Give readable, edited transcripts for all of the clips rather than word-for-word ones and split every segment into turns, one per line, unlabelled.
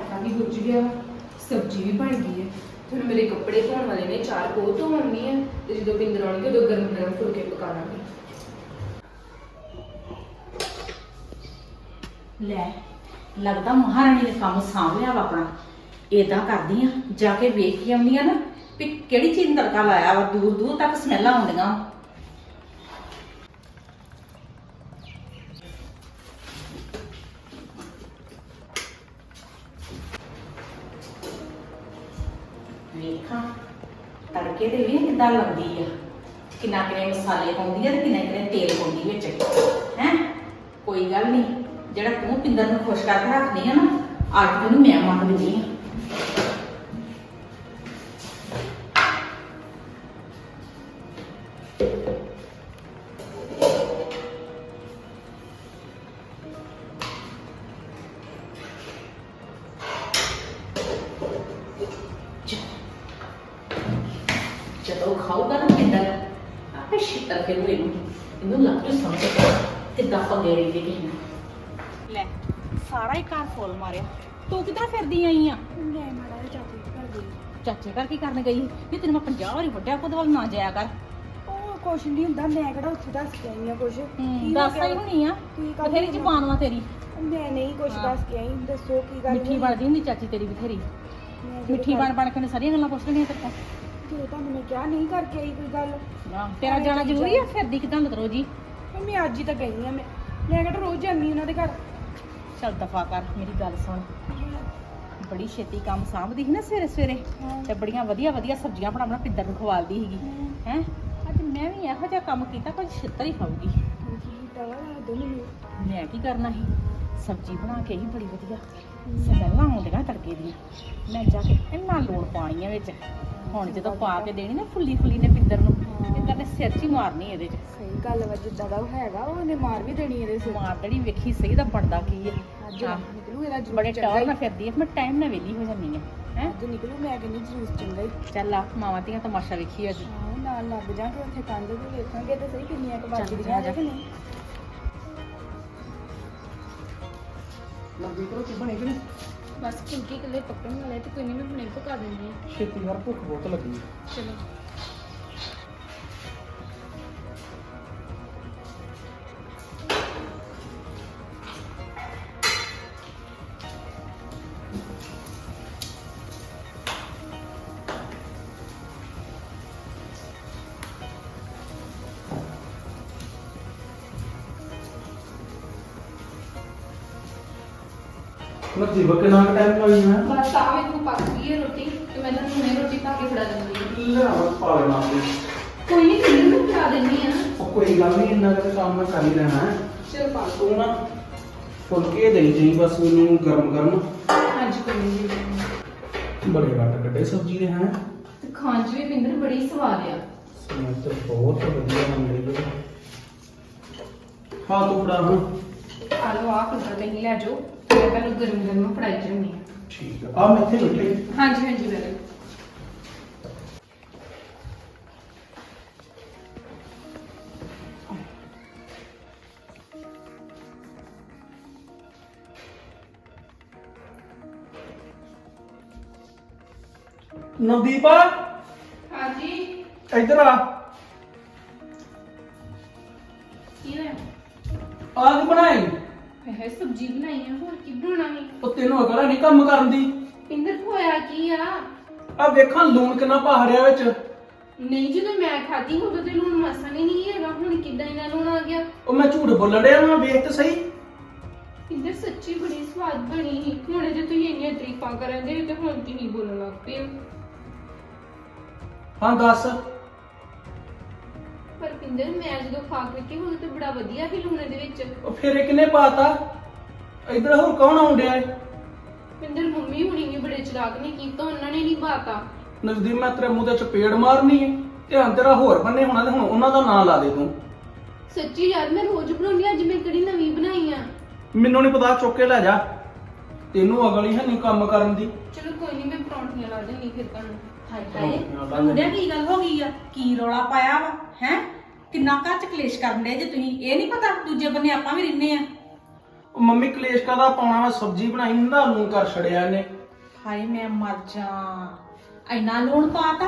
ਆਟਾ ਵੀ ਗੁੱਝ ਗਿਆ, ਸਬਜ਼ੀ ਵੀ ਬਣ ਗਈ ਹੈ। ਹੁਣ ਮੇਰੇ ਕੱਪੜੇ ਧੋਣ ਵਾਲੇ ਨੇ, 4 ਕੋਹ ਧੋਣੀ ਹੈ ਤੇ ਜਦੋਂ ਪਿੰਦਰ ਆਉਣਗੇ ਉਦੋਂ ਗਰਮ ਗਰਮ ਫੁਲਕੇ ਪਕਾ ਲਾਂਗੇ।
ਲੈ ਲੱਗਦਾ ਮਹਾਰਾਣੀ ਨੇ ਕੰਮ ਸਾਂਭ ਲਿਆ ਵਾ ਆਪਣਾ। ਏਦਾਂ ਕਰਦੀ ਆ, ਜਾ ਕੇ ਵੇਖ ਕੇ ਆਉਂਦੀ ਆ ਨਾ ਵੀ ਕਿਹੜੀ ਚੀਜ਼ ਨੂੰ ਤੜਕਾ ਲਾਇਆ ਵਾ। ਦੂਰ ਦੂਰ ਤੱਕ ਸਮੈਲਾਂ ਆਉਂਦੀਆਂ। ਵੇਖਾਂ ਤੜਕੇ ਦੇ ਵੀ ਕਿੱਦਾਂ ਲੱਗਦੀ ਆ, ਕਿੰਨਾ ਕਿੰਨੇ ਮਸਾਲੇ ਪਾਉਂਦੀ ਆ ਤੇ ਕਿੰਨਾ ਕਿੰਨੇ ਤੇਲ ਪਾਉਂਦੀ ਵਿੱਚ ਹੈ। ਕੋਈ ਗੱਲ ਨਹੀਂ, ਜਿਹੜਾ ਤੂੰ ਪਿੰਦਰ ਨੂੰ ਖੁਸ਼ ਕਰਕੇ ਰੱਖਦੀ ਆ ਨਾ, ਅੱਜ ਤੈਨੂੰ ਮੈਂ ਮੰਗ ਦਿੰਦੀ ਆ। ਜਦੋਂ ਖਾਊਗਾ ਨਾ ਪਿੰਦਰ ਆਪੇ ਛਿੱਤਰ ਕੇ ਇਹਨੂੰ ਲੱਗ ਜੂ ਸਮਝ ਕਿੱਦਾਂ ਪੰਗੇੜੀ ਦੇ ਕਿਸੇ ਨਾਲ। ਲੈ ਸਾਰਾ ਹੀ ਘਰ ਫੁੱਲ ਮਾਰਿਆ। ਤੂੰ ਕਿੱਧਰ ਫਿਰਦੀ ਆਈ ਆ?
ਮੈਂ ਮਾੜਾ ਜਿਹਾ ਚਾਚੀ ਘਰ ਗਈ।
ਚਾਚੇ ਘਰ ਕੀ ਕਰਨ ਗਈ? ਨਹੀਂ ਤੈਨੂੰ ਮੈਂ 50 ਵਾਰੀ ਵੱਡਿਆ ਕੋਦ ਵੱਲ ਨਾ ਜਾਇਆ ਕਰ।
ਉਹ ਕੁਛ ਨਹੀਂ ਹੁੰਦਾ, ਮੈਂ ਕਿਹੜਾ ਉੱਥੇ ਦੱਸ ਕੇ ਆਈ ਆ ਕੁਛ।
ਦੱਸ ਆਈ ਹੋਣੀ ਆ, ਬਥੇਰੀ ਜ਼ਬਾਨ ਵਾ ਤੇਰੀ।
ਮੈਂ ਨਹੀਂ ਕੁਛ ਦੱਸ ਕੇ ਆਈ, ਦੱਸੋ ਕੀ ਗੱਲ।
ਮਿੱਠੀ ਬਣਦੀ ਹੁੰਦੀ ਚਾਚੀ ਤੇਰੀ ਬਥੇਰੀ। ਮਿੱਠੀ ਬਣ ਕੇ ਸਾਰੀਆਂ ਗੱਲਾਂ ਪੁੱਛ ਲੈਣੀਆਂ ਤੇਰੇ ਕੋਲ।
ਜੇ ਤੁਹਾਨੂੰ ਮੈਂ ਕਿਹਾ ਨਹੀਂ ਕਰਕੇ ਆਈ ਕੋਈ ਗੱਲ।
ਤੇਰਾ ਜਾਣਾ ਜ਼ਰੂਰੀ ਆ? ਫਿਰਦੀ ਕਿਦਾਂ ਮਤਰੋ ਜੀ?
ਮੈਂ ਅੱਜ ਹੀ ਤਾਂ ਗਈ ਆ। ਮੈਂ ਕਿਹੜਾ ਰੋਜ਼ ਜਾਂਦੀ ਉਹਨਾਂ ਦੇ ਘਰ।
ਚੱਲ ਦਫਾ ਕਰ, ਮੇਰੀ ਗੱਲ ਸੁਣ। ਬੜੀ ਛੇਤੀ ਕੰਮ ਸਾਂਭਦੀ ਸੀ ਨਾ ਸਵੇਰੇ ਸਵੇਰੇ, ਤੇ ਬੜੀਆਂ ਵਧੀਆ ਵਧੀਆ ਸਬਜ਼ੀਆਂ ਬਣਾ ਪਿੰਦਰ ਨੂੰ ਖਵਾਲਦੀ ਸੀਗੀ ਹੈ। ਅੱਜ ਮੈਂ ਵੀ ਇਹੋ ਜਿਹਾ ਕੰਮ ਕੀਤਾ, ਕੁਝ ਛਿੱਤਰ ਹੀ ਖਾਊਗੀ। ਮੈਂ ਕੀ ਕਰਨਾ ਸੀ, ਸਬਜ਼ੀ ਬਣਾ ਕੇ ਹੀ ਬੜੀ ਵਧੀਆ ਸਮੈਲਾਂ ਆਉਂਦੀਆਂ ਤੜਕੇ ਦੀਆਂ। ਮੈਂ ਜਾ ਕੇ ਇੰਨਾ ਲੋੜ ਪਾਣੀ ਆ ਵਿੱਚ। ਹੁਣ ਜਦੋਂ ਪਾ ਕੇ ਦੇਣੀ ਨਾ ਫੁੱਲੀ ਫੁੱਲੀ ਨੇ ਪਿੰਦਰ ਨੂੰ, ਪਿੰਦਰ ਨੇ ਸਿਰ 'ਚ ਹੀ ਮਾਰਨੀ ਇਹਦੇ 'ਚ।
ਸਹੀ ਗੱਲ ਵਾ, ਜਿੱਦਾਂ ਦਾ ਉਹ ਹੈਗਾ ਉਹਨੇ ਮਾਰ ਵੀ ਦੇਣੀ ਇਹਦੇ ਸਿਰ।
ਮਾਰ ਦੇਣੀ। ਵੇਖੀ ਸਹੀ ਦਾ ਬਣਦਾ ਕੀ ਹੈ।
ਅੱਜ ਨਿਕਲੂ ਇਹਦਾ ਜਲੂਸ
ਬੜੇ
ਚੰਗਾ
ਟੌਰ
ਹੀ।
ਨਾਲ ਫਿਰਦੀ ਹੈ, ਮੈਂ ਟਾਈਮ ਨਾਲ ਵਿਹਲੀ ਹੋ ਜਾਂਦੀ ਹਾਂ ਹੈ।
ਅੱਜ ਨਿਕਲੂ, ਮੈਂ ਕਹਿੰਦੀ ਜਲੂਸ ਚੰਗਾ ਹੀ।
ਚੱਲ ਆ ਮਾਵਾਂ ਧੀਆਂ ਤਮਾਸ਼ਾ ਵੇਖੀ ਅੱਜ।
ਹਾਂ ਨਾਲ ਲੱਗ ਜਾਗੇ ਉੱਥੇ ਕੰਧ ਤੇ, ਵੇਖਾਂਗੇ ਤੇ ਸਹੀ ਕਿੰਨੀਆਂ ਕੁ
ਚੱਲ
ਵੱਜਦੀਆਂ
ਜਾ।
ਕਿ ਨਹੀਂ।
ਲੰਬੀ ਰੋਟੀ ਬਣੀ ਕਿ ਨਹੀਂ?
ਬਸ ਫੁਲਕੇ ਇਕੱਲੇ ਪੱਕਣ ਵਾਲੇ ਤੇ ਕੋਈ ਨਹੀਂ, ਮੈਂ ਹੁਣੇ ਪਕਾ ਦਿੰਦੀ ਹਾਂ।
ਛੇਤੀ ਯਾਰ, ਭੁੱਖ ਬਹੁਤ ਲੱਗੀ।
ਚਲੋ
ਨਸੀਬ ਕਿੰਨਾ ਟਾਈਮ ਲੱਗੀ ਹੈ?
ਬਸ ਆਵੇ ਤੂੰ ਪੱਕ ਗਈ ਹੈ ਰੋਟੀ ਤੇ ਮੈਂ ਤੁਹਾਨੂੰ ਹੁਣੇ ਰੋਟੀ ਪਾ ਕੇ ਫੜਾ ਦਿੰਦੀ ਹਾਂ।
ਲੈ ਬਸ ਪਾ ਲੈਣਾ ਤੇ।
ਕੋਈ ਨਹੀਂ, ਤੈਨੂੰ ਮੈਂ ਫੜਾ ਦਿੰਦੀ ਹਾਂ।
ਉਹ ਕੋਈ ਗੱਲ ਨਹੀਂ, ਇੰਨਾ ਕੁ ਕੰਮ ਮੈਂ ਕਰ ਹੀ ਲੈਣਾ ਹੈ।
ਚਲ ਪਾ
ਤੂੰ ਨਾ ਫੁਲਕੇ ਦੇਈ ਜਾਈਂ ਬਸ ਮੈਨੂੰ ਗਰਮ ਗਰਮ।
ਹਾਂਜੀ ਕੋਈ ਨਹੀਂ।
ਬੜੇ ਘੱਟ ਕੱਢੇ ਸਬਜ਼ੀ ਦੇ ਹੈ।
ਤੇ ਖਾਣ 'ਚ ਵੀ ਪਿੰਦਰ ਬੜੀ ਸਵਾਦ ਆ।
ਸਮਝ ਤੇ ਬਹੁਤ ਵਧੀਆ ਬਣ ਰਹੀ ਹੈ। ਹਾਂ ਤੂੰ ਫੜਾ। ਹਾਂ
ਆ ਲਓ, ਆ ਫੁਲਕਾ ਕਹੀਂ ਲੈ ਜਾਓ, ਮੈਂ ਤੁਹਾਨੂੰ ਗਰਮ ਗਰਮ ਫੜਾਈ ਜਾਂਦੀ ਹਾਂ।
ਠੀਕ ਆ, ਆ ਮੈਂ ਇੱਥੇ ਬੈਠੇ।
ਹਾਂਜੀ ਹਾਂਜੀ ਵੈਰੀ।
ਨਵਦੀਪ
ਹਾਂਜੀ
ਇੱਧਰ ਆ।
ਕੀ ਹੈ?
ਆ ਕੀ ਬਣਾਈ?
ਹੈ ਸਬਜ਼ੀ ਬਣਾਈ ਹੈ, ਹੋਰ ਕੀ ਬਣਾਉਣਾ ਹੈ?
ਉਹ ਤੈਨੂੰ ਅਕਲ ਨਹੀਂ ਕੰਮ ਕਰਨ ਦੀ?
ਪਿੰਦਰ ਹੋਇਆ ਕੀ ਆ?
ਆ ਵੇਖਾਂ ਲੂਣ ਕਿੰਨਾ ਪਾ ਰਿਹਾ ਵਿੱਚ।
ਨਹੀਂ ਜਦੋਂ ਮੈਂ ਖਾਧੀ ਉਦੋਂ ਤੇ ਲੂਣ ਮਾਸਾ ਨਹੀਂ ਹੈਗਾ, ਹੁਣ ਕਿੱਦਾਂ ਇਹਨਾਂ ਲੂਣ ਆ ਗਿਆ?
ਉਹ ਮੈਂ ਝੂਠ ਬੋਲਣ ਡਿਆ ਮੈਂ, ਵੇਖ ਤੇ ਸਹੀ।
ਪਿੰਦਰ ਸੱਚੀ ਬੜੀ ਸਵਾਦ ਬਣੀ ਸੀ। ਹੁਣ ਜੇ ਤੁਸੀਂ ਇੰਨੀਆਂ ਤਾਰੀਫਾਂ ਕਰਦੇ ਤੇ ਹੁਣ ਤੁਸੀਂ ਬੋਲਣ ਲੱਗ ਪਏ ਹੋ।
ਹਾਂ ਦੱਸ।
ਪਰ ਪਿੰਦਰ ਮੈਂ ਜਦੋਂ ਖਾ ਕੇ ਉਦੋਂ ਤੇ ਬੜਾ ਵਧੀਆ ਸੀ ਲੂਣ ਦੇ ਵਿੱਚ।
ਉਹ ਫਿਰ ਇਹ ਕਿਨੇ ਪਾਤਾ? ਇੱਧਰ ਹੋਰ ਕੌਣ ਆਉਣ ਡਿਆ ਹੈ?
ਪਿੰਦਰ ਮੰਮੀ ਹੁਣੀ ਵੀ ਬੜੇ ਚਲਾਕ ਨੇ ਕੀਤਾ, ਉਹਨਾਂ ਨੇ ਨਹੀਂ ਪਾਤਾ।
ਨਜ਼ਦੀਕ ਮੈਂ ਤੇਰੇ ਮੂੰਹ ਤੇ ਚਪੇੜ ਮਾਰਨੀ ਹੈ। ਧਿਆਨ ਤੇਰਾ ਹੋਰ ਬੰਨੇ ਹੋਣਾ ਤੇ ਹੁਣ ਉਹਨਾਂ ਦਾ ਨਾਂ ਲਾ ਦੇ ਤੂੰ।
ਸੱਚੀ ਯਾਰ, ਮੈਂ ਰੋਜ਼ ਬਣਾਉਂਦੀ, ਅੱਜ ਮੈਂ ਕਿਹੜੀ ਨਵੀਂ ਬਣਾਈ ਆ।
ਮੈਨੂੰ ਨਹੀਂ ਪਤਾ, ਚੁੱਕ ਕੇ ਲੈ ਜਾ। ਤੈਨੂੰ ਅਗਲ ਹੀ ਹੈ ਨਹੀਂ ਕੰਮ ਕਰਨ ਦੀ।
ਚਲੋ ਕੋਈ ਨਹੀਂ, ਮੈਂ ਪਰੌਂਠੀਆਂ ਲਾ ਦੇਣੀ ਫਿਰ ਤੁਹਾਨੂੰ।
ਹਾਏ ਹਾਏ ਮੁੰਡਿਆ ਕੀ ਗੱਲ ਹੋ ਗਈ ਆ? ਕੀ ਰੌਲਾ ਪਾਇਆ ਵਾ ਹੈ? ਕਿੰਨਾ ਘਰ ਚ ਕਲੇਸ਼ ਕਰਨ ਦੇ ਜੇ ਤੁਸੀਂ? ਇਹ ਨਹੀਂ ਪਤਾ ਦੂਜੇ ਬੰਨੇ ਆਪਾਂ ਵੀ ਰਹਿੰਦੇ ਆ।
ਉਹ ਮੰਮੀ ਕਲੇਸ਼ ਕਾਦਾ ਪਾਉਣਾ? ਮੈਂ ਸਬਜ਼ੀ ਬਣਾਈ ਨਾ ਲੂਣ ਕਰ ਛੜਿਆ ਇਹਨੇ।
ਹਾਏ ਮੈਂ ਮਰ ਜਾ, ਇੰਨਾ ਲੂਣ ਪਾਤਾ।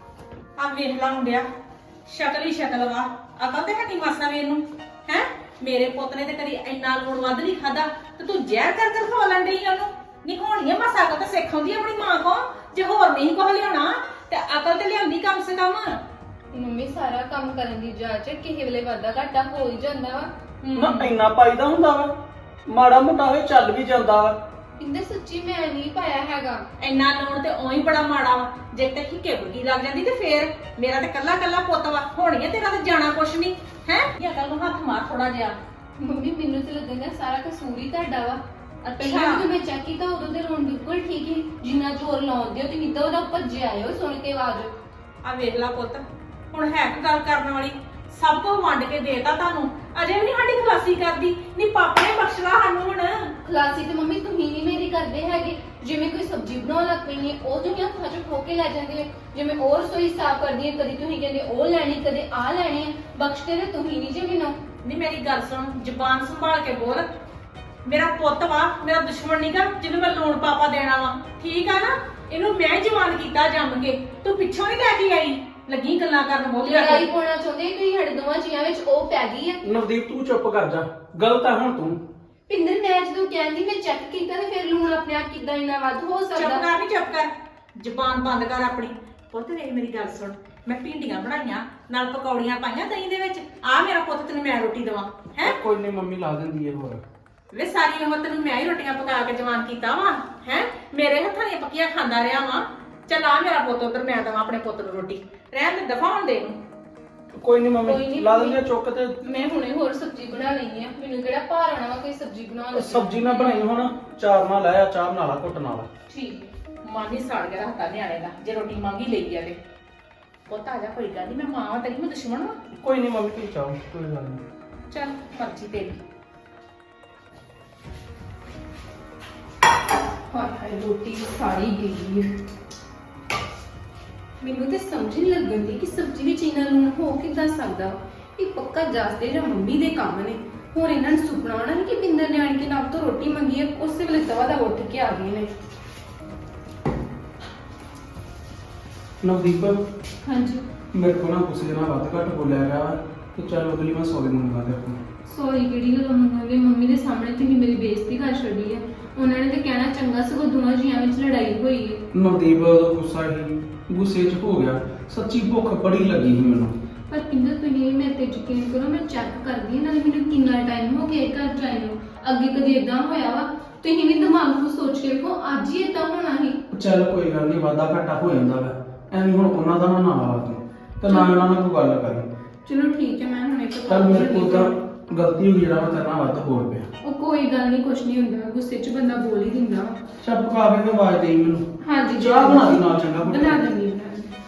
ਆ ਵੇਖ ਲਾ ਮੁੰਡਿਆ, ਸ਼ਕਲ ਹੀ ਸ਼ਕਲ ਵਾ, ਅਕਲ ਤੇ ਹੱਟੀ ਮਾਸਾ ਵੇ ਇਹਨੂੰ ਹੈ। ਮੇਰੇ ਪੁੱਤ ਨੇ ਤੇ ਕਦੀ ਇੰਨਾ ਲੂਣ ਵੱਧ ਨਹੀਂ ਖਾਦਾ, ਤੇ ਤੂੰ ਜ਼ਹਿਰ ਕਰ ਖਵਾ ਲੈਣ ਡਈ ਉਹਨੂੰ। ਨਹੀਂ ਹੋਣੀ ਆ ਮਾਸਾ ਅਕਲ ਤੇ ਸਿੱਖ ਆਉਂਦੀ ਆਪਣੀ ਮਾਂ ਕੋ, ਜੇ ਹੋਰ ਨਹੀਂ ਕੁਝ ਲਿਆਉਣਾ ਤੇ ਅਕਲ ਤੇ ਲਿਆਉਂਦੀ ਕਮ ਸੇ ਕਮ।
ਮੰਮੀ ਸਾਰਾ ਕੰਮ ਕਰਨ ਦੀ ਜਾਚ ਕਿਸੇ ਵੇਲੇ ਵਾਧਾ ਘਾਟਾ ਹੋ ਹੀ ਜਾਂਦਾ ਵਾ।
ਨਾ ਇੰਨਾ ਪਾਈਦਾ ਹੁੰਦਾ ਵਾ, ਮਾੜਾ ਮੋਟਾ ਹੋਏ ਚੱਲ ਵੀ ਜਾਂਦਾ ਵਾ।
ਪਿੰਦਰ ਸੱਚੀ ਮੈਂ ਨਹੀਂ ਪਾਇਆ ਹੈਗਾ।
ਇੰਨਾ ਲੂਣ ਤੇ ਉਹੀ ਬੜਾ ਮਾੜਾ ਵਾ, ਜੇ ਤੇ ਹਿੱਕੇ ਬੁੱਗੀ ਲੱਗ ਜਾਂਦੀ ਤੇ ਫੇਰ ਮੇਰਾ ਤੇ ਕੱਲਾ ਕੱਲਾ ਪੁੱਤ ਵਾ, ਹੋਣੀ ਆ ਤੇਰਾ ਤੇ ਜਾਣਾ ਕੁਛ ਨਹੀਂ ਹੈ। ਇਹ ਅਕਲ ਨੂੰ ਹੱਥ ਮਾਰ ਥੋੜਾ ਜਿਹਾ।
ਮੰਮੀ ਮੈਨੂੰ ਤੇ ਲੱਗਦਾ ਸਾਰਾ ਕਸੂਰ ਹੀ ਤੁਹਾਡਾ ਵਾ। ਪਹਿਲਾਂ
ਅੱਛਾ
ਜਦੋਂ ਮੈਂ ਚੈੱਕ ਕੀਤਾ ਉਦੋਂ ਤੇ ਰੋਣ ਬਿਲਕੁਲ ਠੀਕ ਹੀ, ਜਿੰਨਾ ਜ਼ੋਰ ਲਾਉਂਦੇ ਹੋ ਤੇ ਨਿੱਦਾ ਉਹਦਾ ਭੱਜੇ ਆਏ ਹੋ ਸੁਣ ਕੇ ਆਵਾਜ਼।
ਆ ਵੇਖ ਲਾ ਪੁੱਤ, ਹੁਣ ਹੈ ਕਿ ਗੱਲ ਕਰਨ ਵਾਲੀ, ਸਭ ਕੁਝ ਵੰਡ ਕੇ ਦੇਤਾ ਤੁਹਾਨੂੰ, ਅਜੇ ਵੀ ਨਹੀਂ ਸਾਡੀ ਖਲਾਸੀ ਕਰਦੀ। ਨਹੀਂ ਪਾਪਾ ਨੇ ਬਖਸ਼ਲਾ ਸਾਨੂੰ ਹੁਣ।
ਖਲਾਸੀ ਤੇ ਮੰਮੀ ਤੁਸੀਂ ਨਹੀਂ ਮੇਰੀ ਕਰਦੇ ਹੈਗੇ। ਜਿਵੇਂ ਕੋਈ ਸਬਜ਼ੀ ਬਣਾਉਣ ਲੱਗ ਪੈਣੀ ਹੈ ਉਹ ਤੁਸੀਂ ਹੱਥਾਂ 'ਚ ਖੋ ਕੇ ਲੈ ਜਾਂਦੇ ਹੋ। ਜਿਵੇਂ ਉਹ ਰਸੋਈ ਸਾਫ਼ ਕਰਦੀ ਹੈ ਕਦੀ ਤੁਸੀਂ ਕਹਿੰਦੇ ਉਹ ਲੈਣੀ ਕਦੇ ਆ ਲੈਣੀ ਹੈ, ਬਖਸ਼ਦੇ ਤੇ ਤੁਸੀਂ ਨਹੀਂ ਜੇ ਮੈਨੂੰ।
ਨਹੀਂ ਮੇਰੀ ਗੱਲ ਸੁਣ, ਜ਼ੁਬਾਨ ਸੰਭਾਲ ਕੇ ਬੋਲ। ਮੇਰਾ ਪੁੱਤ ਵਾ, ਮੇਰਾ ਦੁਸ਼ਮਣ ਨਹੀਂਗਾ ਜਿਹਨੂੰ ਮੈਂ ਲੂਣ ਪਾਪਾ ਦੇਣਾ ਵਾ, ਠੀਕ ਆ ਨਾ। ਇਹਨੂੰ ਮੈਂ ਜਵਾਨ ਕੀਤਾ ਜੰਮ ਕੇ, ਤੂੰ ਪਿੱਛੋਂ ਨਹੀਂ ਲੈ ਕੇ ਆਈ, ਲੱਗੀ ਗੱਲਾਂ ਕਰਨ ਬੋਲਿਆ
ਲੜਾਈ ਪਾਉਣਾ ਚਾਹੁੰਦੇ ਤੁਸੀਂ ਸਾਡੇ ਦੋਵਾਂ ਜੀਆਂ ਵਿੱਚ, ਉਹ ਪੈ ਗਈ ਹੈ।
ਨਵਦੀਪ ਤੂੰ ਚੁੱਪ ਕਰ ਜਾ, ਗਲਤ ਆ ਹੁਣ ਤੂੰ।
ਪਿੰਦਰ ਮੈਂ ਜਦੋਂ ਕਹਿੰਦੀ ਮੈਂ ਚੈੱਕ ਕੀਤਾ ਤੇ ਫਿਰ ਲੂਣ ਆਪਣੇ ਆਪ ਕਿੱਦਾਂ ਇੰਨਾ ਵੱਧ ਹੋ
ਚੁੱਪ
ਸਕਦਾ।
ਕਰ, ਨਹੀਂ ਚੁੱਪ ਕਰ, ਜ਼ੁਬਾਨ ਬੰਦ ਕਰ ਆਪਣੀ। ਪੁੱਤ ਵੇਖ ਮੇਰੀ ਗੱਲ ਸੁਣ, ਮੈਂ ਭਿੰਡੀਆਂ ਬਣਾਈਆਂ ਨਾਲ ਪਕੌੜੀਆਂ ਪਾਈਆਂ ਦਹੀਂ ਦੇ ਵਿੱਚ, ਆ ਮੇਰਾ ਪੁੱਤ ਤੈਨੂੰ ਮੈਂ ਰੋਟੀ ਦੇਵਾਂ ਹੈ।
ਕੋਈ ਨਹੀਂ ਮੰਮੀ ਲਾ ਦਿੰਦੀ ਹੈ ਹੋਰ।
ਵੇ ਸਾਰੀ ਉਮਰ ਤੈਨੂੰ ਮੈਂ ਹੀ ਰੋਟੀਆਂ ਪਕਾ ਕੇ ਜਵਾਨ ਕੀਤਾ ਵਾ ਹੈ, ਮੇਰੇ ਹੱਥਾਂ ਦੀਆਂ ਪੱਕੀਆਂ ਖਾਂਦਾ ਰਿਹਾ ਵਾ। ਚੱਲ ਆ ਮੇਰਾ ਪੁੱਤ ਉਧਰ, ਮੈਂ ਦੇਵਾਂ ਆਪਣੇ ਪੁੱਤ ਨੂੰ ਰੋਟੀ, ਰਹਿਣ ਦੇ ਦਫਾ ਹੋਣ ਦੇ ਇਹਨੂੰ।
ਕੋਈ ਨਹੀਂ
ਕੋਈ
ਮੰਮੀ
ਨੀ
ਲਾ
ਮੰਮੀ।
ਦਿੰਦੀ ਆ ਚੁੱਕ ਤੇ।
ਮੈਂ ਹੁਣੇ ਹੋਰ ਸਬਜ਼ੀ ਬਣਾ ਲਈ ਹੈ, ਮੈਨੂੰ ਕਿਹੜਾ ਭਾਰ ਆਣਾ ਵਾ ਕੋਈ ਸਬਜ਼ੀ ਬਣਾਉਣ ਲੱਗੀ।
ਸਬਜ਼ੀ ਨਾ ਬਣਾਈ ਹੁਣ, ਚਾਰ ਨਾਲ ਲਾਇਆ, ਚਾਹ ਬਣਾ ਲਾ ਘੁੱਟ ਨਾਲ।
ਠੀਕ ਹੈ, ਮਨ ਹੀ ਸੜ ਗਿਆ ਹੱਥਾਂ ਨਿਆਣੇ ਦਾ, ਜੇ ਰੋਟੀ ਮੰਗੀ ਲਈ ਆ ਤੇ। ਪੁੱਤ ਆ ਜਾ, ਕੋਈ ਗੱਲ ਨਹੀਂ, ਮੈਂ ਮਾਂ ਵਾਂ ਤੇਰੀ, ਮੈਂ ਦੁਸ਼ਮਣ ਵਾਂ।
ਕੋਈ ਨਹੀਂ ਮੰਮੀ ਤੂੰ ਚਾਹੋ, ਕੋਈ ਗੱਲ ਨਹੀਂ।
ਚੱਲ ਮਰਜ਼ੀ ਤੇਰੀ।
ਹਾਏ ਹਾਏ ਰੋਟੀ ਸਾਰੀ ਗਈ ਹੈ। ਮੈਨੂੰ ਤੇ ਸਮਝ ਨਹੀਂ ਲੱਗਣ ਦੀ ਕਿ ਸਬਜ਼ੀ ਵਿੱਚ ਇੰਨਾ ਲੂਣ ਹੋ ਕਿੱਦਾਂ ਸਕਦਾ। ਇਹ ਪੱਕਾ ਜਾਸਦੇ ਜਾਂ ਮੰਮੀ ਦੇ ਕੰਮ ਨੇ। ਹੁਣ ਇਹਨਾਂ ਨੂੰ ਸੁਪਨਾ ਆਉਣਾ ਨਹੀਂ ਕਿ ਪਿੰਦਰ ਨੇ ਆਣ ਕੇ ਨਾਮ ਤੋਂ ਰੋਟੀ ਮੰਗੀ ਹੈ, ਉਸੇ ਵੇਲੇ ਦਵਾ ਦਾ ਉੱਠ ਕੇ ਆ ਗਏ ਨੇ।
ਨਵਦੀਪ
ਹਾਂਜੀ
ਮੇਰੇ ਕੋਲ ਨਾ ਗੁੱਸੇ ਨਾਲ ਵੱਧ ਘੱਟ ਬੋਲਿਆ ਗਿਆ, ਤੇ ਚੱਲ ਅਗਲੀ ਵਾਰ ਸੌਰੀ ਮੰਗਵਾ ਦੇ ਆਪਣੀ।
ਸੌਰੀ ਕਿਹੜੀ ਗੱਲ ਮੰਗਾਂਗੇ, ਮੰਮੀ ਦੇ ਸਾਹਮਣੇ ਤੁਸੀਂ ਮੇਰੀ ਬੇਇੱਜ਼ਤੀ ਕਰ ਛੱਡੀ ਹੈ। ਉਹਨਾਂ ਨੇ ਤੇ ਕਹਿਣਾ ਚੰਗਾ ਸਗੋਂ ਦੋਵਾਂ ਜੀਆਂ ਵਿੱਚ ਲੜਾਈ ਹੋਈ ਹੈ।
ਨਵਦੀਪ ਦਾ ਗੁੱਸਾ ਹੀ ਗੁੱਸੇ 'ਚ ਹੋ ਗਿਆ, ਸੱਚੀ ਭੁੱਖ ਬੜੀ ਲੱਗੀ ਸੀ ਮੈਨੂੰ।
ਪਰ ਪਿੰਦਰ ਤੁਸੀਂ ਮੇਰੇ ਤੇ ਯਕੀਨ ਕਰੋ, ਮੈਂ ਚੈੱਕ ਕਰਦੀ ਹਾਂ ਨਾਲੇ ਮੈਨੂੰ ਕਿੰਨਾ ਟਾਈਮ ਹੋ ਗਿਆ ਘਰ ਜਾਏ ਨੂੰ। ਅੱਗੇ ਕਦੇ ਇਦਾਂ ਹੋਇਆ ਵਾ? ਤੁਸੀਂ ਵੀ ਦਿਮਾਗ ਨੂੰ ਸੋਚ ਕੇ ਵੇਖੋ, ਅੱਜ ਹੀ ਇਦਾਂ ਹੋਣਾ ਸੀ।
ਚੱਲ ਕੋਈ ਗੱਲ ਨਹੀਂ, ਵਾਧਾ ਘਾਟਾ ਹੋ ਜਾਂਦਾ ਵਾ, ਐਵੇਂ ਹੁਣ ਉਹਨਾਂ ਦਾ ਨਾ ਲਾ ਤੂੰ, ਤੇ ਨਾ ਉਹਨਾਂ ਨਾਲ ਕੋਈ ਗੱਲ ਕਰੀ।
ਚਲੋ ਠੀਕ ਹੈ, ਮੈਂ ਹੁਣ ਇੱਕ
ਚੱਲ ਮੇਰੇ ਕੋਲ ਤਾਂ ਗਲਤੀ ਹੋ ਗਈ, ਜਿਹੜਾ ਮੈਂ ਤੇਰੇ ਨਾਲ ਵੱਧ ਬੋਲ ਪਿਆ।
ਉਹ ਕੋਈ ਗੱਲ ਨਹੀਂ, ਕੁਛ ਨਹੀਂ ਹੁੰਦਾ, ਗੁੱਸੇ 'ਚ ਬੰਦਾ ਬੋਲ ਹੀ ਦਿੰਦਾ ਵਾ।
ਚੱਲ ਪਕਾ ਕੇ ਤੇ ਆਵਾਜ਼ ਦੇਈ ਮੈਨੂੰ।
ਹਾਂਜੀ
ਚਾਹ ਬਣਾ ਦੀ ਨਾਲ, ਚੰਗਾ ਪੁੱਤ।
ਬਣਾ ਦਿੰਦੀ ਹਾਂ।